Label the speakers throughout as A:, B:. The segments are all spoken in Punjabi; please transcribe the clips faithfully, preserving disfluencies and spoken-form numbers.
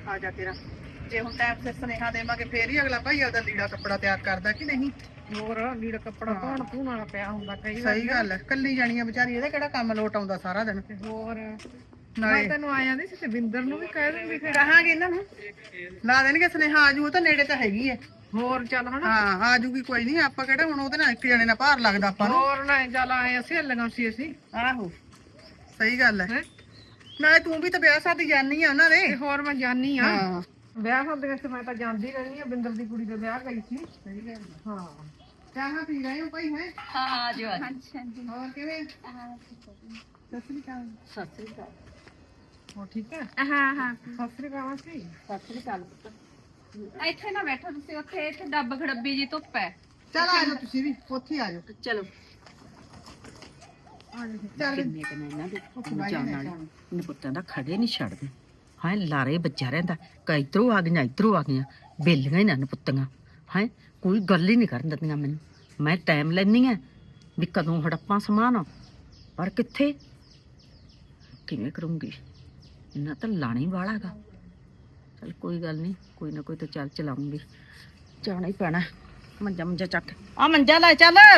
A: ਆ ਜਾ ਤੇਰਾ ਜੇ ਹੁਣ ਟਾਈਮ ਸਿਰ ਸੁਨੇਹਾ ਦੇਵਾਂਗੇ ਫੇਰ ਹੀ ਅਗਲਾ ਭਾਈ ਉਹਦਾ ਲੀੜਾ ਕੱਪੜਾ ਤਿਆਰ ਕਰਦਾ ਕਿ ਨਹੀਂ।
B: ਹੋਰ ਲੀੜਾ ਕੱਪੜਾ ਧੋਣ ਧੂਣ ਵਾਲਾ ਪਿਆ ਹੁੰਦਾ ਕਈ ਵਾਰ।
A: ਸਹੀ ਗੱਲ ਹੈ, ਕੱਲੀ ਜਾਣੀਆਂ ਵਿਚਾਰੀ ਇਹਦਾ ਕਿਹੜਾ ਕੰਮ ਲੋਟ ਆਉਂਦਾ ਸਾਰਾ ਦਿਨ।
B: ਤੇ ਹੋਰ
A: ਨਾਲੇ
B: ਮੈਂ ਤੈਨੂੰ ਆ ਜਾਂਦੀ ਸੀ ਤੇ ਬਿੰਦਰ ਨੂੰ ਵੀ ਕਹਿ ਦੂੰਗੀ ਫਿਰ।
A: ਕਹਾਂਗੇ ਇਹਨਾਂ ਨੂੰ ਲਾ ਦੇਣਗੇ ਸੁਨੇਹਾ, ਆਜੂ ਉਹ ਤਾਂ ਨੇੜੇ ਤਾਂ ਹੈਗੀ ਹੈ।
B: ਹੋਰ ਚੱਲ ਹਨਾ।
A: ਹਾਂ ਆਜੂਗੀ ਕੋਈ ਨਹੀਂ, ਆਪਾਂ ਕਿਹੜਾ ਹੁਣ ਉਹਦੇ ਨਾਲ ਇੱਕ ਜਣੇ ਨਾਲ ਭਾਰ ਲੱਗਦਾ ਆਪਾਂ ਨੂੰ।
B: ਹੋਰ ਨਾ ਚੱਲ ਆਏ ਅਸੀਂ ਲਗਾਂ ਸੀ ਅਸੀਂ।
A: ਆਹੋ ਸਹੀ ਗੱਲ ਹੈ।
B: ਹੈਂ?
A: ਨਾਲੇ ਤੂੰ ਵੀ ਤਾਂ ਵਿਆਹ ਸ਼ਾਦੀ ਜਾਣੀ ਆ ਉਹਨਾਂ ਦੇ।
B: ਤੇ ਹੋਰ ਮੈਂ ਜਾਣੀ ਆ
A: ਹਾਂ
B: ਵਿਆਹ ਹੁੰਦੇ ਤੇ ਮੈਂ ਤਾਂ ਜਾਂਦੀ ਰਹਿੰਦੀ ਆ। ਬਿੰਦਰ ਦੀ ਕੁੜੀ ਦੇ ਵਿਆਹ ਗਈ ਸੀ।
A: ਸਹੀ ਗੱਲ ਹੈ।
B: ਹਾਂ
A: ਚਾਹਾਂ ਪੀ ਰਹੇ ਹੋ ਭਾਈ ਹੈ?
C: ਹਾਂ ਆ ਜਾਓ ਆ ਜਾਓ।
A: ਹੋਰ ਕਿਵੇਂ? ਸਤਿ ਸ੍ਰੀ ਅਕਾਲ।
C: ਸਤਿ ਸ੍ਰੀ ਅਕਾਲ।
B: ਹੋਰ ਠੀਕ ਹੈ।
C: ਹਾਂ ਹਾਂ
B: ਸਤਿ ਸ੍ਰੀ ਅਕਾਲ ਸੀ।
C: ਸਤਿ ਸ੍ਰੀ ਅਕਾਲ ਪੁੱਤ। ਇੱਥੇ ਨਾ ਬੈਠੋ ਤੁਸੀਂ, ਉੱਥੇ ਇੱਥੇ ਡੱਬ ਖੜੱਬੀ ਜੀ ਧੁੱਪ ਹੈ।
A: ਚਲ ਆ ਜਾਓ ਤੁਸੀਂ ਵੀ ਉੱਥੇ ਆ ਜਾਓ।
C: ਚਲੋ
A: ਚੱਲ
D: ਕਿੰਨੇ ਕਿੰਨੇ ਇਹਨਾਂ ਦੇ
A: ਬਾਈ
D: ਜਾਣ
A: ਨੇ
D: ਵਾਲੇ
A: ਜਾਣਾ।
D: ਇਹਨਾਂ ਪੁੱਤਾਂ ਦਾ ਖੜੇ ਨਹੀਂ ਛੱਡਦੇ। ਹਾਂ ਲਾਰੇ ਬੱਚਾ ਰਹਿੰਦਾ, ਕਈ ਇਧਰੋਂ ਆ ਗਈਆਂ ਇਧਰੋਂ ਆ ਗਈਆਂ, ਬੇਲੀਆਂ ਇਹਨਾਂ ਨੂੰ ਪੁੱਤਾਂ। ਹਾਂ ਕੋਈ ਗੱਲ ਹੀ ਨਹੀਂ ਕਰਨ ਦਿੰਦੀਆਂ ਮੈਨੂੰ। ਮੈਂ ਟਾਈਮ ਲੈਣੀ ਆ ਵੀ ਕਦੋਂ ਹੜੱਪਾਂ ਸਮਾਨ, ਪਰ ਕਿੱਥੇ ਕਿਵੇਂ ਕਰੂੰਗੀ। ਇਹਨਾਂ ਤਾਂ ਲਾਣਾ ਹੀ ਵਾਲਾ ਗਾ। ਚਲ ਕੋਈ ਗੱਲ ਨਹੀਂ, ਕੋਈ ਨਾ ਕੋਈ ਤਾਂ ਚੱਲ ਚਲਾਉਂਗੀ, ਜਾਣਾ ਹੀ ਪੈਣਾ। ਮੰਜਾ ਮੰਜਾ ਚੱਕ ਆ ਮੰਜਾ ਲੈ ਚੱਲ
C: ਆ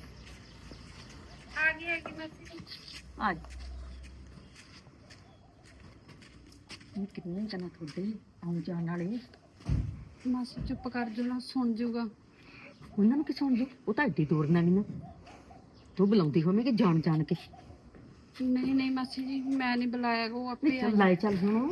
C: ਗਈ ਹੈਗੀ ਮੈਂ
D: ਆ ਕਿੰਨੇ ਜਣਾ ਤੁਹਾਡੇ ਆਉਣ ਜਾਣ ਵਾਲੇ।
C: ਮਾਸੀ ਚੁੱਪ ਕਰ ਜੋ ਨਾ, ਸੁਣ ਜੂਗਾ।
D: ਉਹਨਾਂ ਨੂੰ ਕੀ ਸੁਣ ਜੂ, ਉਹ ਤਾਂ ਐਡੀ ਦੂਰ ਨਾ ਨਾ ਤੂੰ ਬੁਲਾਉਂਦੀ ਹੋਵੇਂਗੀ ਜਾਣ ਜਾਣ ਕੇ।
C: ਨਹੀਂ ਨਹੀਂ ਮਾਸੀ ਜੀ ਮੈਂ ਨਹੀਂ ਬੁਲਾਇਆ, ਉਹ ਆਪੇ ਆ
D: ਚੱਲ ਲੈ ਚੱਲ ਹੁਣ।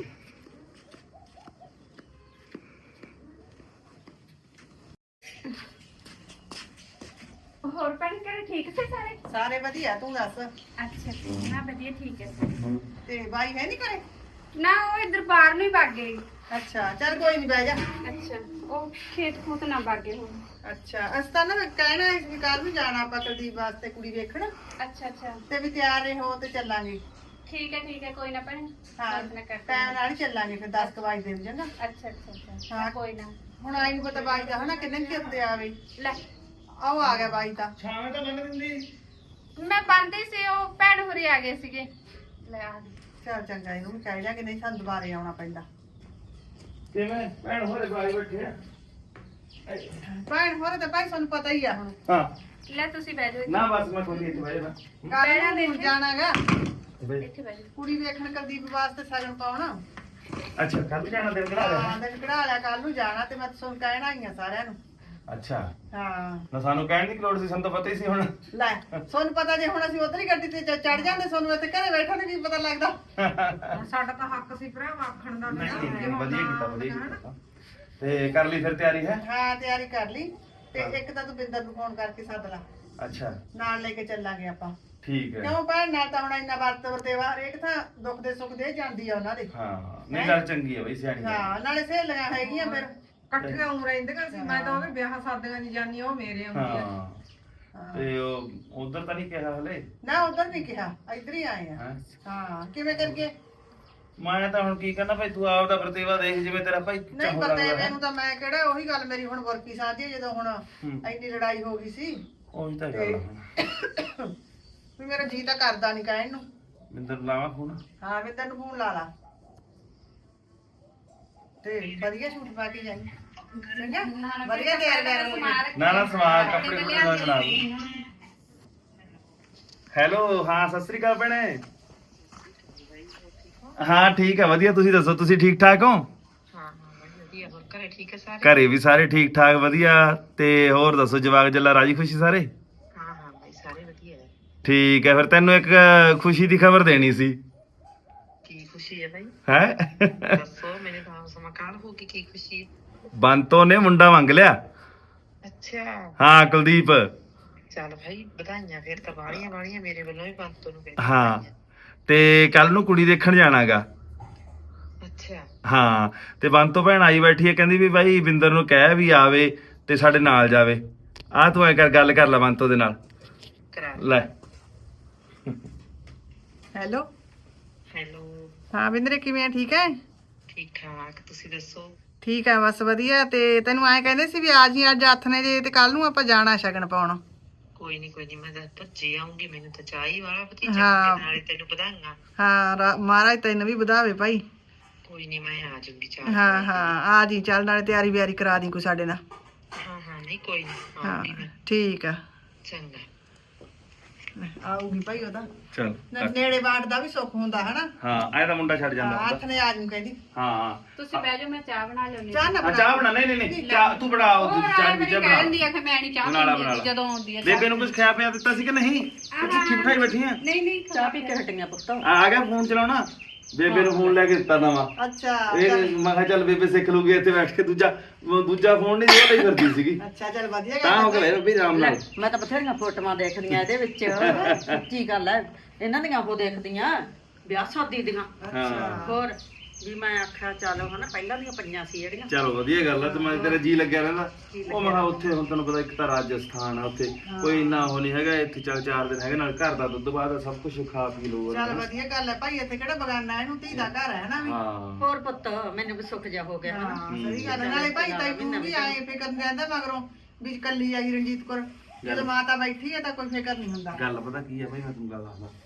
C: ਹੋਰ ਭੈਣ ਘਰੇ ਠੀਕ ਸੀ ਸਾਰੇ?
A: ਸਾਰੇ ਵਧੀਆ, ਤੂੰ ਦੱਸ।
C: ਅੱਛਾ ਨਾ ਵਧੀਆ ਠੀਕ ਹੈ।
A: ਤੇ ਬਾਈ ਹੈ ਨਹੀਂ ਘਰੇ?
C: ਨਾ ਉਹ ਇੱਧਰ ਬਾਹਰ ਨੂੰ ਹੀ ਭੱਗ ਗਏ।
A: ਅੱਛਾ ਚੱਲ ਕੋਈ ਨਹੀਂ ਬਹਿ ਜਾ।
C: ਅੱਛਾ ਉਹ ਖੇਤ ਖੂਤ ਨਾ ਭੱਗ ਗਏ ਹੁਣ।
A: ਅੱਛਾ ਅਸੀਂ ਤਾਂ ਨਾ ਕਹਿਣਾ ਇਸ ਵੀ ਕੱਲ ਨੂੰ ਜਾਣਾ ਆਪਾਂ ਕੁਲਦੀਪ ਵਾਸਤੇ ਕੁੜੀ ਵੇਖਣ,
C: ਅੱਛਾ ਅੱਛਾ
A: ਤੇ ਵੀ ਤਿਆਰ ਰਹੋ ਤੇ ਚੱਲਾਂਗੇ।
C: ਠੀਕ ਹੈ ਠੀਕ ਹੈ ਕੋਈ ਨਾ ਭੈਣ।
A: ਹਾਂ
C: ਆਪਣਾ ਕਰ
A: ਟਾਈਮ ਨਾਲ ਹੀ ਚੱਲਾਂਗੇ ਫਿਰ ਦਸ ਕੁ ਵਜੇ ਦੇ ਵਜੇ।
C: ਅੱਛਾ ਅੱਛਾ ਅੱਛਾ
A: ਹਾਂ।
C: ਕੋਈ ਨਾ।
A: ਹੁਣ ਆਈ ਨੂੰ ਪਤਾ ਬਾਈ ਦਾ ਹਨਾ ਕਿੰਨੇ ਚਿਰ ਤੇ ਆਵੇ।
C: ਲੈ
A: ਆਓ ਆ ਗਿਆ ਬਾਈ ਤਾਂ।
C: ਮੈਂ ਬੰਦੀ ਸੀ, ਉਹ ਭੈਣ ਹੋਰੀ ਆ ਗਏ ਸੀਗੇ। ਲੈ ਆ ਗਏ।
A: ਚੱਲ ਚੰਗਾ, ਇਹਨੂੰ ਕਹਿ ਲਿਆ ਕਿ ਨਹੀਂ ਸਾਨੂੰ ਦੁਬਾਰੇ ਆਉਣਾ ਪੈਂਦਾ।
E: ਕਿਵੇਂ ਭੈਣ ਹੋਰੇ ਬਾਈ ਬੈਠੇ ਆ?
A: ਭੈਣ ਹੋਰ ਤਾਂ ਭਾਈ ਸਾਨੂੰ ਪਤਾ ਹੀ ਆ ਹੁਣ।
E: ਹਾਂ
C: ਲੈ ਤੁਸੀਂ ਬਹਿ ਜਾਓ
E: ਨਾ ਬਸ ਮੈਂ ਤੁਹਾਡੀ ਇੱਥੇ ਬਹਿ ਜਾਣਾ।
A: ਕੱਲ ਨੂੰ ਜਾਣਾਗਾ
C: ਇੱਥੇ ਬਹਿ ਜਾਓ।
A: ਕੁੜੀ ਵੇਖਣ ਕੁਲਦੀਪ ਵਾਸਤੇ ਸਗਨ ਪਾਉਣਾ।
E: ਅੱਛਾ ਕੱਲ ਜਾਣਾ ਦਿਨ ਕਰਾ
A: ਹਾਂ
E: ਲਿਆ।
A: ਦਿਨ ਕਢਾ ਲਿਆ, ਕੱਲ ਨੂੰ ਜਾਣਾ ਤੇ ਮੈਂ ਤੁਹਾਨੂੰ ਕਹਿਣਾ ਹੀ ਆ ਸਾਰਿਆਂ ਨੂੰ।
E: ਅੱਛਾ
A: ਹਾਂ
E: ਨਾ ਸਾਨੂੰ ਕਹਿਣ ਦੀ ਲੋੜ ਸੀ, ਸਾਨੂੰ ਤਾਂ ਪਤਾ ਹੀ ਸੀ ਹੁਣ।
A: ਲੈ ਤੁਹਾਨੂੰ ਪਤਾ ਜੇ ਹੁਣ ਅਸੀਂ ਉਧਰ ਹੀ ਗੱਡੀ ਤੇ ਚੜ ਜਾਂਦੇ, ਤੁਹਾਨੂੰ ਇੱਥੇ ਘਰੇ ਬੈਠਣ ਨੂੰ ਕੀ ਪਤਾ ਲੱਗਦਾ।
B: ਹੁਣ ਸਾਡਾ ਤਾਂ ਹੱਕ ਸੀ ਭਰਾ ਆਖਣ ਦਾ।
E: ਨਹੀਂ ਨਹੀਂ ਵਧੀਆ ਕੀਤਾ ਵਧੀਆ ਕੀਤਾ। ਤੇ ਕਰ ਲਈ ਫਿਰ ਤਿਆਰੀ ਹੈ?
A: ਹਾਂ ਤਿਆਰੀ ਕਰ ਲਈ, ਤੇ ਇੱਕ ਤਾਂ ਤੂੰ ਬਿੰਦਰ ਨੂੰ ਫੋਨ ਕਰਕੇ ਸੱਦ ਲਾ,
E: ਅੱਛਾ
A: ਨਾਲ ਲੈ ਕੇ ਚੱਲਾਂਗੇ ਆਪਾਂ।
E: ਠੀਕ ਹੈ।
A: ਕਿਉਂ ਭੈਣ ਨਾਲ ਤਾਂ ਹੁਣ ਇੰਨਾ ਵਰਤ ਵਰਤੇਵਾ ਹਰੇਕ ਥਾਂ ਦੁੱਖ ਦੇ ਸੁੱਖ ਦੇ ਜਾਂਦੀ ਆ ਉਹਨਾਂ ਦੇ।
E: ਹਾਂ ਨਹੀਂ ਗੱਲ ਚੰਗੀ ਹੈ ਬਈ, ਸਿਆਣੀ ਹੈ।
A: ਹਾਂ ਨਾਲੇ ਸਹੇਲੀਆਂ ਹੈਗੀਆਂ ਫਿਰ।
B: ਇਕੱਠੀਆਂ ਉਂ ਰਹਿੰਦੀਆਂ ਸੀ। ਮੈਂ ਤਾਂ ਉਹਦੇ ਵਿਆਹ ਸਾਦੀਆਂ ਨਹੀਂ ਜਾਣੀ, ਉਹ ਮੇਰੇ ਆਉਂਦੀ ਆ।
E: ਹਾਂ ਤੇ ਉਹ ਉਧਰ ਤਾਂ ਨਹੀਂ ਕਿਹਾ ਹਲੇ?
A: ਨਾ ਉਧਰ ਨਹੀਂ ਕਿਹਾ, ਇੱਧਰ ਹੀ ਆਏ ਆ।
E: ਹੈਂ?
A: ਹਾਂ ਕਿਵੇਂ ਕਰਕੇ?
E: ਮੈਂ ਤਾਂ ਹੁਣ ਕੀ ਕਰਨਾ ਭਾਈ, ਤੂੰ ਆਪ ਦਾ ਵਰਤੇਵਾ ਦੇਖ ਜਿਵੇਂ ਤੇਰਾ ਭਾਈ
A: ਨਹੀਂ
E: ਚਾਹੁੰ
A: ਪਤਾ
E: ਲੱਗਦਾ ਹੈ।
A: ਮੈਨੂੰ ਤਾਂ ਮੈਂ ਕਿਹੜਾ ਉਹੀ ਗੱਲ ਮੇਰੀ ਹੁਣ ਵਰਕੀ ਸਾਂਝੀ ਜਦੋਂ ਹੁਣ
E: ਹੂੰ।
A: ਇੰਨੀ ਲੜਾਈ ਹੋ ਗਈ ਸੀ
E: ਉਹੀ ਤਾਂ ਗੱਲ ਹੈ।
A: ਵੀ ਮੇਰਾ ਜੀ ਤਾਂ ਕਰਦਾ ਨਹੀਂ ਕਹਿਣ ਨੂੰ।
E: ਮਿੰਦਰ ਲਾਵਾਂ ਫੋਨ।
A: ਹਾਂ ਮੈਂ ਤੈਨੂੰ ਫੋਨ ਲਾ ਲਾ ਤੇ ਵਧੀਆ ਸੂਟ ਪਾ ਕੇ ਜਾਈ। ਚੰਗਾ ਵਧੀਆ ਤਿਆਰ ਕਰ ਹੋ
E: ਨਾ ਨਾ ਸਮਾਨ ਕੱਪੜੇ ਕੁਪੜੇ ਦਾ ਚਲਾ ਦੂੰ। ਹੈਲੋ ਹਾਂ ਸਤਿ ਸ੍ਰੀ ਅਕਾਲ ਭੈਣੇ। ਹਾਂ ਠੀਕ ਹੈ ਵਧੀਆ, ਤੁਸੀਂ ਦੱਸੋ ਤੁਸੀਂ ਠੀਕ ਠਾਕ ਹੋ?
B: ਹਾਂ ਹਾਂ ਵਧੀਆ। ਹੋਰ ਘਰੇ ਠੀਕ ਹੈ ਸਾਰੇ?
E: ਘਰੇ ਵੀ ਸਾਰੇ ਠੀਕ ਠਾਕ ਵਧੀਆ। ਤੇ ਹੋਰ ਦੱਸੋ ਜਵਾਕ ਜੱਲਾ ਰਾਜੀ ਖੁਸ਼ੀ ਸਾਰੇ?
B: ਹਾਂ ਹਾਂ ਭਾਈ ਸਾਰੇ ਵਧੀਆ ਹੈ।
E: ਠੀਕ ਹੈ ਫਿਰ ਤੈਨੂੰ ਇੱਕ ਖੁਸ਼ੀ ਦੀ ਖਬਰ ਦੇਣੀ ਸੀ।
B: ਕੀ ਖੁਸ਼ੀ ਹੈ ਭਾਈ?
E: ਹੈ
B: ਦੱਸੋ ਮੇਰੇ ਤਾਂ ਸਮਾਕਾਲ ਹੋ ਗਈ। ਕੀ ਖੁਸ਼ੀ?
E: ਬੰਤੋ ਨੇ ਮੁੰਡਾ ਮੰਗ ਲਿਆ।
B: ਅੱਛਾ
E: ਹਾਂ ਕੁਲਦੀਪ।
B: ਚੱਲ ਭਾਈ ਵਧਾਈਆਂ ਫਿਰ ਤਾਂ ਬਾਲੀਆਂ ਬਾਲੀਆਂ ਮੇਰੇ ਵੱਲੋਂ ਵੀ ਬੰਤੋ ਨੂੰ।
E: ਹਾਂ ਤੇ ਕੱਲ ਨੂੰ ਕੁੜੀ ਦੇਖਣ ਜਾਣਾਗਾ।
B: ਅੱਛਾ
E: ਹਾਂ ਤੇ ਬੰਤੋ ਭੈਣ ਆਈ ਬੈਠੀ ਹੈ, ਕਹਿੰਦੀ ਵੀ ਬਾਈ ਬਿੰਦਰ ਨੂੰ ਕਹਿ ਵੀ ਆਵੇ ਤੇ ਸਾਡੇ ਨਾਲ ਜਾਵੇ। ਆਹ ਤੂੰ ਐ ਕਰ ਗੱਲ ਕਰ ਲੈ ਬੰਤੋ ਦੇ ਨਾਲ।
B: ਕਰਾ
E: ਲੈ
A: ਹੈਲੋ
B: ਹੈਲੋ।
A: ਹਾਂ ਬਿੰਦਰੇ ਕਿਵੇਂ ਆ? ਠੀਕ ਹੈ?
B: ਠੀਕ ਠਾਕ ਤੁਸੀਂ ਦੱਸੋ?
A: ਠੀਕ ਹੈ ਬਸ ਵਧੀਆ। ਤੇ ਤੈਨੂੰ ਐਂ ਕਹਿੰਦੇ ਸੀ ਵੀ ਆ ਜੀ ਅੱਜ ਹੱਥ ਨੇ ਜੇ, ਤੇ ਕੱਲ ਨੂੰ ਆਪਾਂ ਜਾਣਾ ਸ਼ਗਨ ਪਾਉਣ।
B: ਕੋਈ ਨਹੀਂ ਕੋਈ ਨਹੀਂ ਮੈਂ ਤਾਂ ਭੱਜੇ ਆਉਂਗੀ, ਮੈਨੂੰ ਤਾਂ ਚਾਹ ਹੀ ਵਾਲਾ ਭਤੀਜਾ
A: ਹਾਂ।
B: ਨਾਲੇ ਤੈਨੂੰ ਵਧਾਈਆਂ।
A: ਹਾਂ ਰਾ- ਮਹਾਰਾਜ ਤੈਨੂੰ ਵੀ ਵਧਾਵੇ ਭਾਈ।
B: ਕੋਈ ਨਹੀਂ ਮੈਂ ਆ ਜਾਊਂਗੀ ਚਾਰ
A: ਹਾਂ ਹਾਂ ਆ ਜੀ, ਚੱਲ ਨਾਲੇ ਤਿਆਰੀ ਵਿਆਰੀ ਕਰਾ ਦੀ ਕੋਈ ਸਾਡੇ ਨਾਲ।
B: ਹਾਂ ਹਾਂ ਨਹੀਂ ਕੋਈ ਨਹੀਂ
A: ਹਾਂ
B: ਆਉਂਗੀ ਮੈਂ
A: ਠੀਕ ਆ,
B: ਚੰਗਾ
A: ਆਊਗੀ ਭਾਈ ਉਹਦਾ
E: ਚਲ
A: ਨਾ- ਨੇੜੇ ਬਾਟ ਦਾ ਵੀ ਸੁੱਖ ਹੁੰਦਾ ਹਨਾ।
E: ਹਾਂ ਐ ਤਾਂ ਮੁੰਡਾ ਛੱਡ ਜਾਂਦਾ ਹੁੰਦਾ।
A: ਹੱਥ ਨੇ ਆ ਜੂ ਕਹਿੰਦੀ
E: ਹਾਂ
C: ਤੁਸੀਂ ਬਹਿ ਜਾਓ, ਮੈਂ ਚਾਹ ਬਣਾ ਲਿਆਉਂਦੀ
A: ਚਾਹ ਨਾ
E: ਹਾਂ,
A: ਬਣਾ
E: ਚਾਹ ਬਣਾ। ਨਹੀਂ ਨਹੀਂ ਨਹੀਂ ਚਾਹ ਤੂੰ ਬਣਾ, ਉਹ ਦੂਜੀ ਚਾਹ ਵੀ
C: ਕਹਿ
E: ਬਣਾ।
C: ਦਿੰਦੀ ਆ ਕਿ ਮੈਂ ਨਹੀਂ ਚਾਹ
E: ਬਣਾ ਲਾ,
C: ਪੀਂਦੀ
E: ਬਣਾ ਲਾ।
C: ਜਦੋਂ ਆਉਂਦੀ ਆ
E: ਬੇਬੇ ਨੂੰ ਕੁਝ ਖਾਇਆ ਪਿਆ ਦਿੱਤਾ ਸੀ ਕਿ ਨਹੀਂ? ਕਿ ਚਿੱਠੀ ਬਿਠਾਈ ਬੈਠੀ ਆ?
C: ਨਹੀਂ ਨਹੀਂ
D: ਚਾਹ ਪੀ ਕੇ ਹਟੀਆਂ ਪੁੱਤ।
E: ਆ ਆ ਗਿਆ ਫੋਨ ਚਲਾਉਣਾ। ਬੇਬੇ ਨੂੰ ਫੋਨ ਲੈ ਕੇ ਦਿੱਤਾ ਨਵਾਂ।
A: ਅੱਛਾ
E: ਇਹ
A: ਚੱਲ-
E: ਮੈਂ ਕਿਹਾ ਚੱਲ ਬੇਬੇ ਸਿੱਖ ਲੂਗੀ ਇੱਥੇ ਬੈਠ ਕੇ। ਦੂਜਾ ਉਹ ਦੂਜਾ ਫੋਨ ਨਹੀਂ ਉਹ ਲਈ ਫਿਰਦੀ ਸੀਗੀ।
A: ਅੱਛਾ ਚੱਲ ਵਧੀਆ
E: ਤਾਂ ਹੋ
A: ਗੱਲ
E: ਗਿਆ ਵੀ ਆਰਾਮ
D: ਲੈ,
E: ਨਾਲ।
D: ਮੈਂ ਤਾਂ ਬਥੇਰੀਆਂ ਫੋਟੋਆਂ ਦੇਖਦੀਆਂ ਇਹਦੇ ਵਿੱਚ। ਸੱਚੀ ਗੱਲ ਹੈ, ਇਹਨਾਂ ਦੀਆਂ ਉਹ ਦੇਖਦੀਆਂ ਵਿਆਹ ਸ਼ਾਦੀ ਦੀਆਂ।
E: ਹਾਂ
D: ਹੋਰ ਵੀ ਮੈਂ ਆਖਿਆ ਚਲੋ ਹਨਾ, ਪਹਿਲਾਂ ਦੀਆਂ ਪਈਆਂ ਸੀ ਜਿਹੜੀਆਂ।
E: ਚਲੋ ਵਧੀਆ ਗੱਲ ਆ। ਤੇ ਮੈਂ ਤੇਰਾ ਜੀ ਲੱਗਿਆ ਰਹਿੰਦਾ। ਉਹ ਮੈਂ ਕਿਹਾ ਉੱਥੇ ਹੁਣ ਤੈਨੂੰ ਪਤਾ ਇੱਕ ਤਾਂ ਰਾਜਸਥਾਨ ਆ, ਉੱਥੇ ਕੋਈ ਇੰਨਾ ਉਹ ਨਹੀਂ ਹੈਗਾ। ਇੱਥੇ ਚੱਲ ਚਾਰ ਦਿਨ ਹੈਗੇ, ਨਾਲ ਘਰ ਦਾ ਦੁੱਧ ਬਾਅਦ ਸਭ ਕੁਝ ਖਾ ਪੀ ਲਊ।
A: ਚੱਲ ਵਧੀਆ ਗੱਲ ਹੈ ਭਾਈ, ਇੱਥੇ ਕਿਹੜਾ ਬਗਾਨਾ, ਇਹਨੂੰ ਧੀ ਦਾ ਘਰ ਹੈ ਨਾ ਵੀ।
E: ਹਾਂ
D: ਹੋਰ ਪੁੱਤ ਮੈਨੂੰ ਵੀ ਸੁੱਖ ਜਾ ਹੋ ਗਿਆ ਹਨਾ।
A: ਹਾਂ ਸਹੀ ਗੱਲ ਹੈ। ਨਾਲੇ ਭਾਈ ਤੈਨੂੰ ਵੀ ਆਏ ਫਿਕਰ ਨਹੀਂ ਰਹਿੰਦਾ ਮਗਰੋਂ ਵੀ ਕੱਲੀ ਆਈ ਰਣਜੀਤ ਕੌਰ। ਜਦੋਂ ਮਾਤਾ ਬੈਠੀ ਹੈ ਤਾਂ ਕੋਈ ਫਿਕਰ ਨਹੀਂ ਹੁੰਦਾ।
E: ਗੱਲ ਪਤਾ ਕੀ ਆ ਭਾਈ, ਮੈਂ ਤੁਹਾਨੂੰ ਗੱਲ ਦੱਸਦਾ